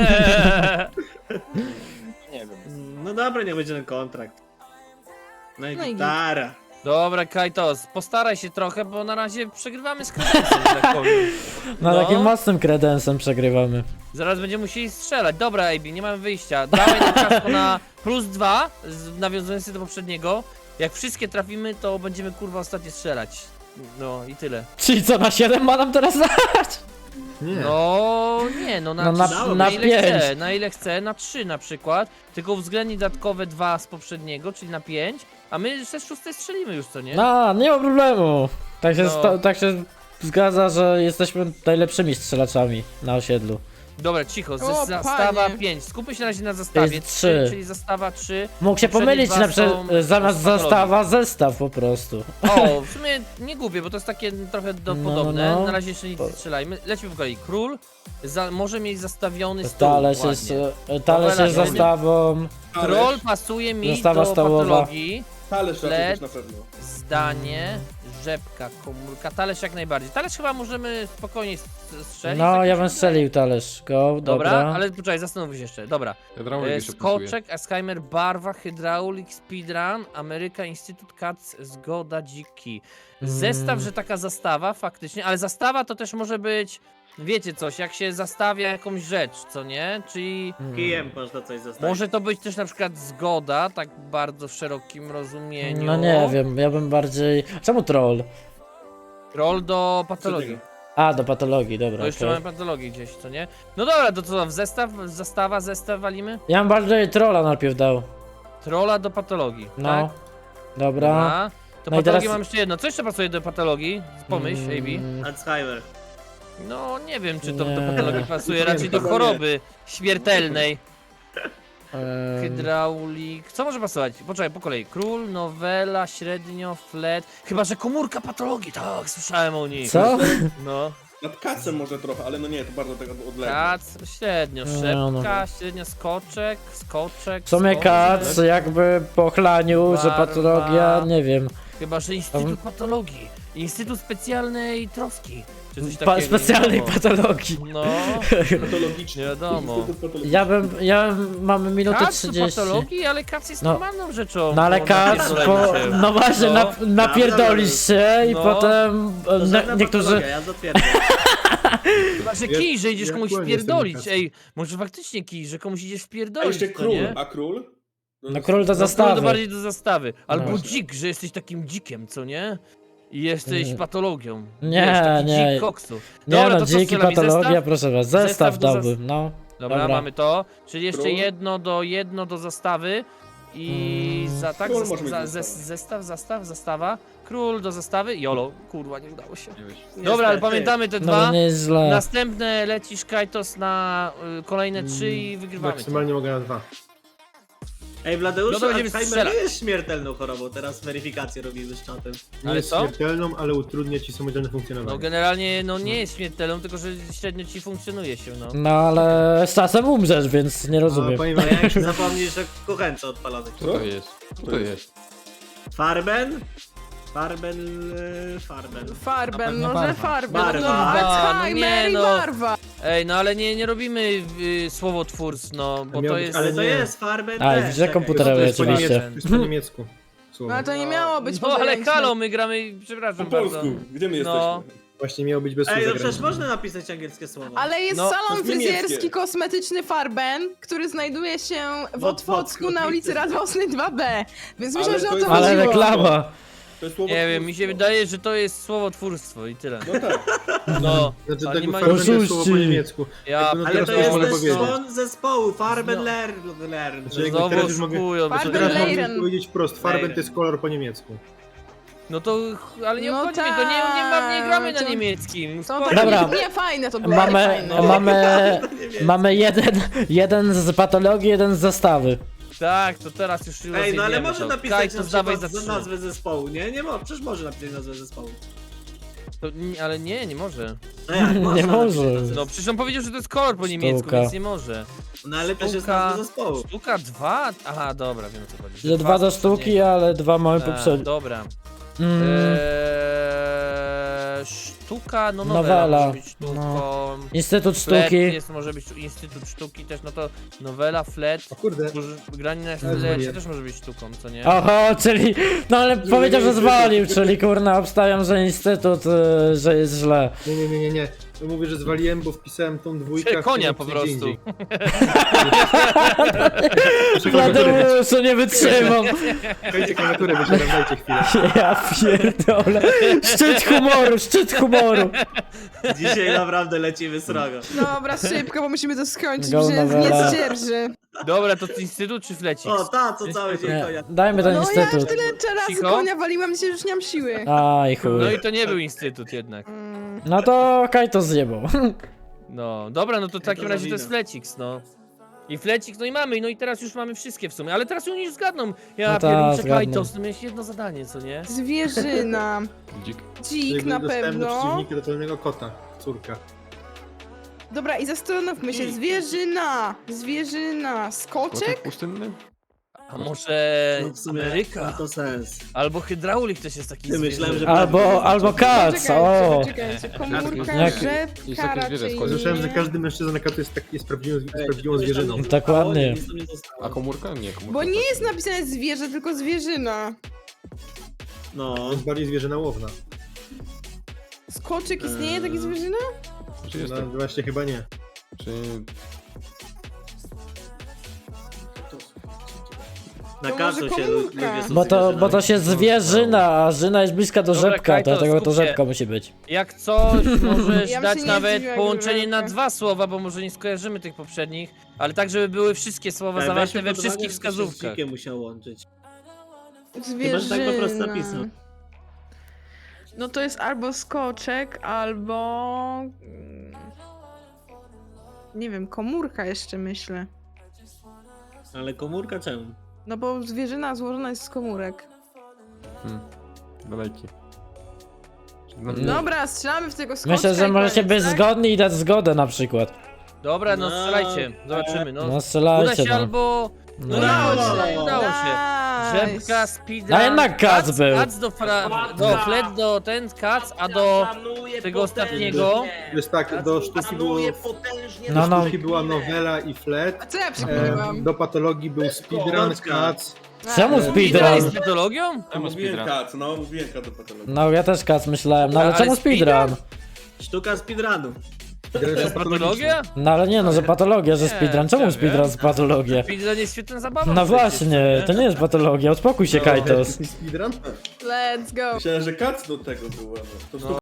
[SPEAKER 8] Nie wiem.
[SPEAKER 2] No dobra, niech będzie ten kontrakt. No i
[SPEAKER 3] No i
[SPEAKER 2] gitara.
[SPEAKER 8] Dobra, Kajtos, postaraj się trochę, bo na razie przegrywamy z kredensem, że tak powiem.
[SPEAKER 1] No,
[SPEAKER 8] No.
[SPEAKER 1] takim mocnym kredensem przegrywamy.
[SPEAKER 8] Zaraz będziemy musieli strzelać. Dobra, Ejbi, nie mamy wyjścia. Dawaj na ciasto na plus dwa, z- nawiązując się do poprzedniego. Jak wszystkie trafimy, to będziemy kurwa ostatnio strzelać. No i tyle.
[SPEAKER 1] Czyli co, na siedem ma nam teraz dać?
[SPEAKER 7] Nie.
[SPEAKER 8] No nie, no na,
[SPEAKER 1] No na-
[SPEAKER 8] trzy,
[SPEAKER 1] na
[SPEAKER 8] ile
[SPEAKER 1] pięć.
[SPEAKER 8] chce, na ile chce, na trzy na przykład. Tylko uwzględnij dodatkowe dwa z poprzedniego, czyli na pięć. A my ze szóstej strzelimy już, co nie?
[SPEAKER 1] No, nie ma problemu. Tak się,
[SPEAKER 8] No.
[SPEAKER 1] sta- tak się zgadza, że jesteśmy najlepszymi strzelaczami na osiedlu.
[SPEAKER 8] Dobra, cicho,
[SPEAKER 3] O,
[SPEAKER 8] zes- zastawa
[SPEAKER 3] panie.
[SPEAKER 8] pięć. Skupmy się na razie na zastawie
[SPEAKER 1] jest
[SPEAKER 8] trzy,
[SPEAKER 1] trzy.
[SPEAKER 8] czyli zastawa trzy.
[SPEAKER 1] Mógł się
[SPEAKER 8] Poprzednie
[SPEAKER 1] pomylić
[SPEAKER 8] dwa
[SPEAKER 1] na przykład
[SPEAKER 8] są-
[SPEAKER 1] e, zamiast
[SPEAKER 8] są patologii.
[SPEAKER 1] zastawa, zestaw po prostu.
[SPEAKER 8] O, w sumie nie głupie, bo to jest takie trochę do,
[SPEAKER 1] No,
[SPEAKER 8] podobne.
[SPEAKER 1] no.
[SPEAKER 8] Na razie jeszcze nic nie strzelajmy. Lecimy po kolei. Król za, może mieć zastawiony stół.
[SPEAKER 1] Talerz
[SPEAKER 8] ładnie.
[SPEAKER 1] jest, e, talerz
[SPEAKER 8] Nowela
[SPEAKER 1] jest
[SPEAKER 8] ziemia.
[SPEAKER 1] zastawą.
[SPEAKER 8] Troll pasuje mi
[SPEAKER 1] Zastawa
[SPEAKER 8] do
[SPEAKER 1] stołowa.
[SPEAKER 8] patologii.
[SPEAKER 9] Talerz raczej
[SPEAKER 8] Led.
[SPEAKER 9] też na pewno.
[SPEAKER 8] Zdanie, rzepka, komórka. Talerz jak najbardziej. Talerz chyba możemy spokojnie s- strzelić.
[SPEAKER 1] No,
[SPEAKER 8] tak
[SPEAKER 1] ja
[SPEAKER 8] mi
[SPEAKER 1] bym
[SPEAKER 8] się
[SPEAKER 1] strzelił talerz. Go,
[SPEAKER 8] Dobra,
[SPEAKER 1] dobra.
[SPEAKER 8] ale poczekaj, zastanów się jeszcze. Dobra.
[SPEAKER 6] Hydraulik
[SPEAKER 8] E,
[SPEAKER 6] jeszcze pasuje.
[SPEAKER 8] Skoczek, Alzheimer, barwa, hydraulik, speedrun, Ameryka, Instytut Cats, zgoda, dziki. Zestaw,
[SPEAKER 1] Mm.
[SPEAKER 8] że taka zastawa faktycznie, ale zastawa to też może być, wiecie coś, jak się zastawia jakąś rzecz, co nie? Czyli
[SPEAKER 1] Mm.
[SPEAKER 2] Kijem można coś zostawić.
[SPEAKER 8] może to być też na przykład zgoda, tak bardzo w szerokim rozumieniu.
[SPEAKER 1] No nie wiem, ja bym bardziej... Czemu troll?
[SPEAKER 8] Roll do patologii.
[SPEAKER 1] A, do patologii, dobra,
[SPEAKER 8] Bo jeszcze
[SPEAKER 1] okej.
[SPEAKER 8] mamy patologię gdzieś, co nie? No dobra, to co, w zestaw, zastawa, zestaw walimy?
[SPEAKER 1] Ja bym bardziej trolla najpierw dał.
[SPEAKER 8] Trolla do patologii,
[SPEAKER 1] No,
[SPEAKER 8] tak?
[SPEAKER 1] dobra.
[SPEAKER 8] Dobra. To
[SPEAKER 1] No i
[SPEAKER 8] patologię
[SPEAKER 1] teraz-
[SPEAKER 8] mam jeszcze jedno. Co jeszcze pasuje do patologii? Pomyśl, A B.
[SPEAKER 1] Mm,
[SPEAKER 2] Alzheimer.
[SPEAKER 8] No nie wiem, czy to
[SPEAKER 1] Nie.
[SPEAKER 8] do patologii pasuje,
[SPEAKER 9] Nie,
[SPEAKER 8] raczej do
[SPEAKER 9] chyba
[SPEAKER 8] choroby śmiertelnej.
[SPEAKER 1] em,
[SPEAKER 8] Hydraulik. Co może pasować? Poczekaj, po kolei. Król, nowela, średnio, flet. Chyba, że komórka patologii. Tak, słyszałem o niej.
[SPEAKER 1] Co?
[SPEAKER 8] No.
[SPEAKER 9] Nad kacem może trochę, ale no nie, to bardzo tego odległe.
[SPEAKER 8] Kac, średnio,
[SPEAKER 1] No, no.
[SPEAKER 8] szepka, średnio, skoczek, skoczek.
[SPEAKER 1] W sumie
[SPEAKER 8] skoczek.
[SPEAKER 1] kac jakby po chlaniu, że
[SPEAKER 8] Barwa.
[SPEAKER 1] patologia, nie wiem.
[SPEAKER 8] Chyba, że Instytut Patologii. Instytut Specjalnej Troski. Czy coś
[SPEAKER 1] Pa
[SPEAKER 8] takiego.
[SPEAKER 1] specjalnej
[SPEAKER 8] nie wiadomo.
[SPEAKER 1] patologii.
[SPEAKER 8] No,
[SPEAKER 9] Patologiczny.
[SPEAKER 8] nie wiadomo.
[SPEAKER 9] Instytut patologiczny.
[SPEAKER 1] Ja bym, ja mamy minutę
[SPEAKER 8] Kac do
[SPEAKER 1] trzydzieści.
[SPEAKER 8] patologii, ale kac jest
[SPEAKER 1] No.
[SPEAKER 8] normalną rzeczą.
[SPEAKER 1] No ale
[SPEAKER 8] po
[SPEAKER 1] kac,
[SPEAKER 8] napierdoleniu
[SPEAKER 1] po,
[SPEAKER 8] się.
[SPEAKER 1] no właśnie,
[SPEAKER 8] No.
[SPEAKER 1] nap, napierdolisz się i
[SPEAKER 8] No.
[SPEAKER 1] potem
[SPEAKER 2] To
[SPEAKER 1] e,
[SPEAKER 2] żadna
[SPEAKER 1] ne, niektórzy...
[SPEAKER 2] patologia, ja zatwierdzam.
[SPEAKER 8] Chyba, że
[SPEAKER 5] Ja-
[SPEAKER 8] kij, że idziesz
[SPEAKER 5] ja
[SPEAKER 8] komuś
[SPEAKER 5] aktualnie jestem
[SPEAKER 8] wpierdolić.
[SPEAKER 5] na kac.
[SPEAKER 8] Ej, może faktycznie kij, że komuś idziesz
[SPEAKER 9] A
[SPEAKER 8] wpierdolić,
[SPEAKER 9] jeszcze
[SPEAKER 8] to
[SPEAKER 9] król,
[SPEAKER 8] nie?
[SPEAKER 9] a król?
[SPEAKER 1] No król do
[SPEAKER 8] No, to
[SPEAKER 1] zastawy.
[SPEAKER 8] bardziej do zastawy. Albo
[SPEAKER 1] No.
[SPEAKER 8] dzik, że jesteś takim dzikiem, co nie? I jesteś
[SPEAKER 1] Nie.
[SPEAKER 8] patologią.
[SPEAKER 1] Nie,
[SPEAKER 8] Wiesz, taki
[SPEAKER 1] nie.
[SPEAKER 8] dzik koksu.
[SPEAKER 1] Nie
[SPEAKER 8] Dobra,
[SPEAKER 1] no,
[SPEAKER 8] to co
[SPEAKER 1] dziki
[SPEAKER 8] strzelamy?
[SPEAKER 1] patologia,
[SPEAKER 8] Zestaw?
[SPEAKER 1] proszę was,
[SPEAKER 8] Zestaw
[SPEAKER 1] zestaw
[SPEAKER 8] do zas-
[SPEAKER 1] dałbym, no.
[SPEAKER 8] Dobra,
[SPEAKER 1] Dobra.
[SPEAKER 8] mamy to. Czyli jeszcze
[SPEAKER 9] Król?
[SPEAKER 8] jedno do jedno do zastawy. I
[SPEAKER 1] Mm.
[SPEAKER 8] za tak,
[SPEAKER 9] Król
[SPEAKER 8] zas-
[SPEAKER 9] może mieć
[SPEAKER 8] za,
[SPEAKER 9] zestaw.
[SPEAKER 8] zes- zestaw, zastaw, zastawa. Król do zastawy. Jolo, kurwa, nie udało się.
[SPEAKER 6] Nie wiesz.
[SPEAKER 8] Dobra, ale
[SPEAKER 2] Niestety.
[SPEAKER 8] pamiętamy te
[SPEAKER 1] No
[SPEAKER 8] dwa.
[SPEAKER 1] to nie jest źle.
[SPEAKER 8] Następne lecisz Kajtos na y, kolejne trzy i wygrywamy. to.
[SPEAKER 5] Maksymalnie mogę na dwa.
[SPEAKER 2] Ej, Wladeuszu,
[SPEAKER 8] No to będziemy
[SPEAKER 2] Alzheimer
[SPEAKER 8] strzelać.
[SPEAKER 2] nie jest śmiertelną chorobą, teraz weryfikację robimy z czatem.
[SPEAKER 5] Nie
[SPEAKER 8] Ale
[SPEAKER 5] jest
[SPEAKER 8] co?
[SPEAKER 5] śmiertelną, ale utrudnia ci samodzielne
[SPEAKER 8] No
[SPEAKER 5] funkcjonowanie.
[SPEAKER 8] generalnie no nie jest śmiertelną, tylko że średnio ci funkcjonuje się, no.
[SPEAKER 1] No ale z czasem umrzesz, więc nie
[SPEAKER 5] A,
[SPEAKER 1] rozumiem.
[SPEAKER 5] powiem
[SPEAKER 2] No
[SPEAKER 5] wam,
[SPEAKER 2] jak zapomnisz, że kuchence odpalonych.
[SPEAKER 6] Co to jest? Co to jest?
[SPEAKER 2] Farben? Farben... e, Farben.
[SPEAKER 3] Farben,
[SPEAKER 1] pewno
[SPEAKER 3] no że
[SPEAKER 1] barwa.
[SPEAKER 3] farben.
[SPEAKER 2] Barwa.
[SPEAKER 3] No,
[SPEAKER 8] Barwa, no
[SPEAKER 3] Alzheimer
[SPEAKER 8] nie,
[SPEAKER 3] i
[SPEAKER 8] no.
[SPEAKER 3] barwa.
[SPEAKER 8] Ej, no ale nie, nie robimy y, słowotwórstw, no, bo
[SPEAKER 5] miał
[SPEAKER 8] to
[SPEAKER 5] być-
[SPEAKER 8] jest...
[SPEAKER 2] Ale to
[SPEAKER 5] nie.
[SPEAKER 2] jest Farben
[SPEAKER 1] A,
[SPEAKER 2] też,
[SPEAKER 1] widzę
[SPEAKER 2] czekaj.
[SPEAKER 1] komputerowe
[SPEAKER 8] To jest
[SPEAKER 5] po
[SPEAKER 1] oczywiście.
[SPEAKER 5] niemiecku, to jest po niemiecku. Słowo.
[SPEAKER 3] No ale to nie miało być
[SPEAKER 8] No ale
[SPEAKER 3] podręczne.
[SPEAKER 8] halo, my gramy,
[SPEAKER 9] Po
[SPEAKER 8] przepraszam bardzo.
[SPEAKER 9] polsku, gdzie my
[SPEAKER 8] No.
[SPEAKER 9] jesteśmy?
[SPEAKER 5] Właśnie miało być bez słów
[SPEAKER 2] Ej, no
[SPEAKER 5] zagranicznych.
[SPEAKER 2] przecież można napisać angielskie słowo.
[SPEAKER 3] Ale jest
[SPEAKER 8] No,
[SPEAKER 9] to
[SPEAKER 3] salon
[SPEAKER 9] jest
[SPEAKER 3] fryzjerski
[SPEAKER 9] niemieckie.
[SPEAKER 3] kosmetyczny Farben, który znajduje się w
[SPEAKER 2] W
[SPEAKER 3] Otwocku
[SPEAKER 2] Otwocku.
[SPEAKER 3] na ulicy Radosnej dwa B. Więc myślę,
[SPEAKER 9] Ale
[SPEAKER 3] że
[SPEAKER 9] to
[SPEAKER 3] o to
[SPEAKER 9] jest-
[SPEAKER 1] Ale
[SPEAKER 3] chodziło.
[SPEAKER 1] reklama.
[SPEAKER 9] To jest słowo
[SPEAKER 8] Nie wiem, mi się wydaje, że to jest słowotwórstwo i tyle.
[SPEAKER 9] No tak.
[SPEAKER 8] No,
[SPEAKER 5] Znaczy
[SPEAKER 8] oni
[SPEAKER 5] tego
[SPEAKER 8] mają-
[SPEAKER 5] farben to jest słowo po
[SPEAKER 1] Oszuści.
[SPEAKER 5] niemiecku.
[SPEAKER 8] ja...
[SPEAKER 5] Jakby no
[SPEAKER 2] Ale
[SPEAKER 5] teraz
[SPEAKER 2] to
[SPEAKER 5] też
[SPEAKER 2] jest
[SPEAKER 5] mogę
[SPEAKER 2] też
[SPEAKER 5] powiedzieć.
[SPEAKER 2] człon zespołu, Farben
[SPEAKER 8] No.
[SPEAKER 2] Learn. Learn.
[SPEAKER 5] Znaczy jakby
[SPEAKER 8] Znowu
[SPEAKER 5] teraz już mogę,
[SPEAKER 8] oszukują, bo to
[SPEAKER 3] Farben
[SPEAKER 5] teraz
[SPEAKER 8] teraz...
[SPEAKER 5] mogę
[SPEAKER 3] Leiren.
[SPEAKER 5] powiedzieć wprost, farben
[SPEAKER 2] Leiren.
[SPEAKER 5] to jest kolor po niemiecku.
[SPEAKER 8] No to, ale nie
[SPEAKER 3] No
[SPEAKER 8] obchodzi mnie, to nie, nie, ma, nie gramy na
[SPEAKER 3] tak.
[SPEAKER 8] niemieckim.
[SPEAKER 3] To
[SPEAKER 8] Spoko.
[SPEAKER 3] takie,
[SPEAKER 1] Dobra.
[SPEAKER 3] nie, fajne to było,
[SPEAKER 1] Mamy,
[SPEAKER 3] fajne.
[SPEAKER 1] mamy,
[SPEAKER 2] Nie wiem.
[SPEAKER 1] mamy jeden, jeden z patologii, jeden z zastawy.
[SPEAKER 8] Tak, to teraz już
[SPEAKER 2] Ej, no ale
[SPEAKER 8] rozjebiemy
[SPEAKER 2] może
[SPEAKER 8] to.
[SPEAKER 2] napisać
[SPEAKER 8] Kaj,
[SPEAKER 2] na
[SPEAKER 8] to zdawaj
[SPEAKER 2] przykład
[SPEAKER 8] za
[SPEAKER 2] za
[SPEAKER 8] trzy.
[SPEAKER 2] nazwę zespołu, nie? Nie mo, przecież może napisać nazwę zespołu.
[SPEAKER 8] To, nie, ale nie, nie może.
[SPEAKER 2] No jak,
[SPEAKER 1] Nie
[SPEAKER 2] można
[SPEAKER 1] może.
[SPEAKER 2] napisać nazwę
[SPEAKER 8] No przecież on powiedział, że to jest kolor po niemiecku,
[SPEAKER 1] Sztuka.
[SPEAKER 8] więc nie może.
[SPEAKER 2] No ale też jest
[SPEAKER 8] Sztuka-
[SPEAKER 2] nazwa zespołu.
[SPEAKER 8] Sztuka dwa? Aha, dobra, wiem o co chodzi.
[SPEAKER 1] Że dwa do sztuki, ale dwa mamy
[SPEAKER 8] Tak,
[SPEAKER 1] poprzednie.
[SPEAKER 8] dobra.
[SPEAKER 1] Mm,
[SPEAKER 8] Eee, sztuka, no nowela,
[SPEAKER 1] Nowela,
[SPEAKER 8] może być sztuką.
[SPEAKER 1] no. Instytut
[SPEAKER 8] Flet
[SPEAKER 1] Sztuki.
[SPEAKER 8] jest, może być Instytut Sztuki też, no to nowela, flet.
[SPEAKER 5] O kurde,
[SPEAKER 8] Może- Granie na
[SPEAKER 5] zwaliłem.
[SPEAKER 8] flecie też może być sztuką, co nie?
[SPEAKER 1] Oho, czyli, no ale powiedział, że zwalił, czyli kurna, obstawiam, że instytut, y, że jest źle.
[SPEAKER 5] nie, nie, nie, nie, nie. To mówię, że zwaliłem, bo wpisałem tą dwójkę. a
[SPEAKER 8] Konia
[SPEAKER 5] chciałem
[SPEAKER 8] po
[SPEAKER 5] napisać gdzie
[SPEAKER 8] prostu.
[SPEAKER 5] indziej. Muszę klawiaturę wyciągnąć.
[SPEAKER 1] Tadeuszu, nie wytrzymam.
[SPEAKER 5] Dajcie klawiaturę, wysiadam, dajcie chwilę.
[SPEAKER 1] Ja pierdolę. Szczyt humoru, szczyt humoru.
[SPEAKER 2] Dzisiaj naprawdę lecimy srogo.
[SPEAKER 3] Dobra, szybko, bo musimy to skończyć,
[SPEAKER 1] Go
[SPEAKER 3] bo się
[SPEAKER 1] nowela.
[SPEAKER 3] nie zdzierży.
[SPEAKER 8] Dobra, to Instytut czy flecik?
[SPEAKER 2] O, ta, co cały dzień
[SPEAKER 1] Nie,
[SPEAKER 2] konia.
[SPEAKER 1] dajmy ten
[SPEAKER 3] No ja
[SPEAKER 1] instytut.
[SPEAKER 3] tyle razy
[SPEAKER 8] Cicho.
[SPEAKER 3] konia waliłam, dzisiaj już nie mam siły.
[SPEAKER 1] Aj
[SPEAKER 8] No
[SPEAKER 1] chuj.
[SPEAKER 8] i to nie był Instytut jednak.
[SPEAKER 3] Mm.
[SPEAKER 1] No to Kaj to zjebał.
[SPEAKER 8] No, dobra, no to w takim
[SPEAKER 2] to za
[SPEAKER 8] razie to jest
[SPEAKER 2] wina.
[SPEAKER 8] Flecix, no. I Flecix, no i mamy, no i teraz już mamy wszystkie w sumie, ale teraz oni już zgadną. Ja
[SPEAKER 1] No ta,
[SPEAKER 8] pierniczę
[SPEAKER 1] zgadną.
[SPEAKER 8] Kajtos, no miałeś jedno zadanie, co nie?
[SPEAKER 3] Zwierzyna.
[SPEAKER 6] Dzik.
[SPEAKER 3] Dzik
[SPEAKER 5] Jakby
[SPEAKER 3] na
[SPEAKER 5] dostępne
[SPEAKER 3] pewno.
[SPEAKER 5] przeciwniki do pełnego kota. Córka.
[SPEAKER 3] Dobra, i zastanówmy się. Zwierzyna. Zwierzyna. Skoczek?
[SPEAKER 6] Kotek pustynny?
[SPEAKER 8] A może
[SPEAKER 2] No w sumie
[SPEAKER 8] Ameryka?
[SPEAKER 2] ma to sens.
[SPEAKER 8] Albo hydraulik też jest taki
[SPEAKER 2] Ty, myślałem,
[SPEAKER 8] zwierzę.
[SPEAKER 2] że-
[SPEAKER 1] Albo, albo kac, o!
[SPEAKER 3] Poczekajcie, poczekajcie. Komórka,
[SPEAKER 1] Jak-
[SPEAKER 3] rzepka
[SPEAKER 6] jest takie zwierzę
[SPEAKER 3] raczej
[SPEAKER 6] z kozy.
[SPEAKER 5] Słyszałem, że
[SPEAKER 3] nie.
[SPEAKER 5] każdy mężczyzna na katu jest, tak, jest prawdziwą, jest
[SPEAKER 2] Ej,
[SPEAKER 5] prawdziwą
[SPEAKER 2] coś tam
[SPEAKER 5] zwierzyną.
[SPEAKER 2] nie
[SPEAKER 1] Dokładnie.
[SPEAKER 2] zostało, nic tam nie zostało.
[SPEAKER 6] A komórka? Nie, komórka.
[SPEAKER 3] Bo nie jest napisane zwierzę, tylko zwierzyna.
[SPEAKER 2] No.
[SPEAKER 5] To jest bardziej zwierzyna łowna.
[SPEAKER 3] Skoczek istnieje taki
[SPEAKER 2] Eee.
[SPEAKER 3] zwierzyna?
[SPEAKER 6] Czy jest
[SPEAKER 5] No
[SPEAKER 6] tak?
[SPEAKER 5] właśnie chyba nie.
[SPEAKER 6] Czy...
[SPEAKER 2] Na
[SPEAKER 3] To
[SPEAKER 2] kacu
[SPEAKER 3] może
[SPEAKER 2] się
[SPEAKER 3] komórka.
[SPEAKER 2] ludzie są
[SPEAKER 1] Bo to, bo to
[SPEAKER 2] zwierzynami.
[SPEAKER 1] się zwierzyna, a żyna jest bliska do
[SPEAKER 8] Dobra,
[SPEAKER 1] rzepka,
[SPEAKER 8] Kajtos,
[SPEAKER 1] dlatego to
[SPEAKER 8] skup się.
[SPEAKER 1] rzepka musi być.
[SPEAKER 8] Jak coś, możesz
[SPEAKER 3] Ja bym
[SPEAKER 8] dać
[SPEAKER 3] się nie
[SPEAKER 8] nawet
[SPEAKER 3] zdziwiła,
[SPEAKER 8] połączenie
[SPEAKER 3] gdyby
[SPEAKER 8] na
[SPEAKER 3] tak.
[SPEAKER 8] dwa słowa, bo może nie skojarzymy tych poprzednich, ale tak, żeby były wszystkie słowa
[SPEAKER 2] Ej,
[SPEAKER 8] zawarte
[SPEAKER 2] weźmy
[SPEAKER 8] we
[SPEAKER 2] pod uwagę,
[SPEAKER 8] wszystkich
[SPEAKER 2] że to się z
[SPEAKER 8] wskazówkach.
[SPEAKER 2] dzikiem musiał łączyć.
[SPEAKER 3] Zwierzyna.
[SPEAKER 2] Chyba, że tak po prostu napisał.
[SPEAKER 3] No to jest albo skoczek, albo... mm, Nie wiem, komórka jeszcze myślę.
[SPEAKER 2] Ale komórka czemu?
[SPEAKER 3] No bo zwierzyna złożona jest z komórek.
[SPEAKER 6] Hmm. Daleki. No,
[SPEAKER 1] No.
[SPEAKER 3] Dobra, strzelamy w tego skoczka.
[SPEAKER 1] Myślę, że
[SPEAKER 3] i
[SPEAKER 1] możecie
[SPEAKER 3] koniec,
[SPEAKER 1] być
[SPEAKER 3] tak?
[SPEAKER 1] zgodni i dać zgodę na przykład.
[SPEAKER 8] Dobra, no
[SPEAKER 2] No,
[SPEAKER 8] strzelajcie, zobaczymy, no.
[SPEAKER 1] No
[SPEAKER 8] Uda
[SPEAKER 1] strzelajcie
[SPEAKER 8] się
[SPEAKER 1] no.
[SPEAKER 8] albo...
[SPEAKER 1] No.
[SPEAKER 8] Udało
[SPEAKER 2] No.
[SPEAKER 8] się, udało się.
[SPEAKER 3] Nice.
[SPEAKER 8] Rzepka, speedrun,
[SPEAKER 1] A jednak kac był.
[SPEAKER 8] Kac do, fra... do flet, do ten kac, a do tego ostatniego...
[SPEAKER 5] To jest tak, do sztuki było,
[SPEAKER 1] No,
[SPEAKER 5] do
[SPEAKER 1] no.
[SPEAKER 5] sztuki była nowela i
[SPEAKER 3] A
[SPEAKER 5] flet.
[SPEAKER 3] co ja
[SPEAKER 5] E,
[SPEAKER 3] przeklinam?
[SPEAKER 5] do patologii był speedrun,
[SPEAKER 2] Kącka.
[SPEAKER 5] kac.
[SPEAKER 1] Czemu
[SPEAKER 8] Speedrun
[SPEAKER 1] speedrun?
[SPEAKER 8] jest metodologią?
[SPEAKER 9] Ja mówiłem
[SPEAKER 6] speedrun.
[SPEAKER 9] kac, no mówiłem kac do patologii.
[SPEAKER 1] No ja też kac myślałem, no ale
[SPEAKER 8] Ale
[SPEAKER 1] czemu
[SPEAKER 8] speedrun?
[SPEAKER 1] speedrun?
[SPEAKER 2] Sztuka speedrunu.
[SPEAKER 8] To jest patologia?
[SPEAKER 1] No ale nie no, że patologia, że
[SPEAKER 8] Nie,
[SPEAKER 1] speedrun. Czemu
[SPEAKER 8] ja
[SPEAKER 1] speedrun
[SPEAKER 8] wiem.
[SPEAKER 1] z patologią?
[SPEAKER 8] Speedrun jest świetna zabawa.
[SPEAKER 1] No
[SPEAKER 8] przecież,
[SPEAKER 1] właśnie, to nie jest patologia, uspokój się Kajtos.
[SPEAKER 5] Speedrun?
[SPEAKER 3] Let's go.
[SPEAKER 9] Myślałem, że kac do tego było. No. To
[SPEAKER 8] No.
[SPEAKER 9] sztuka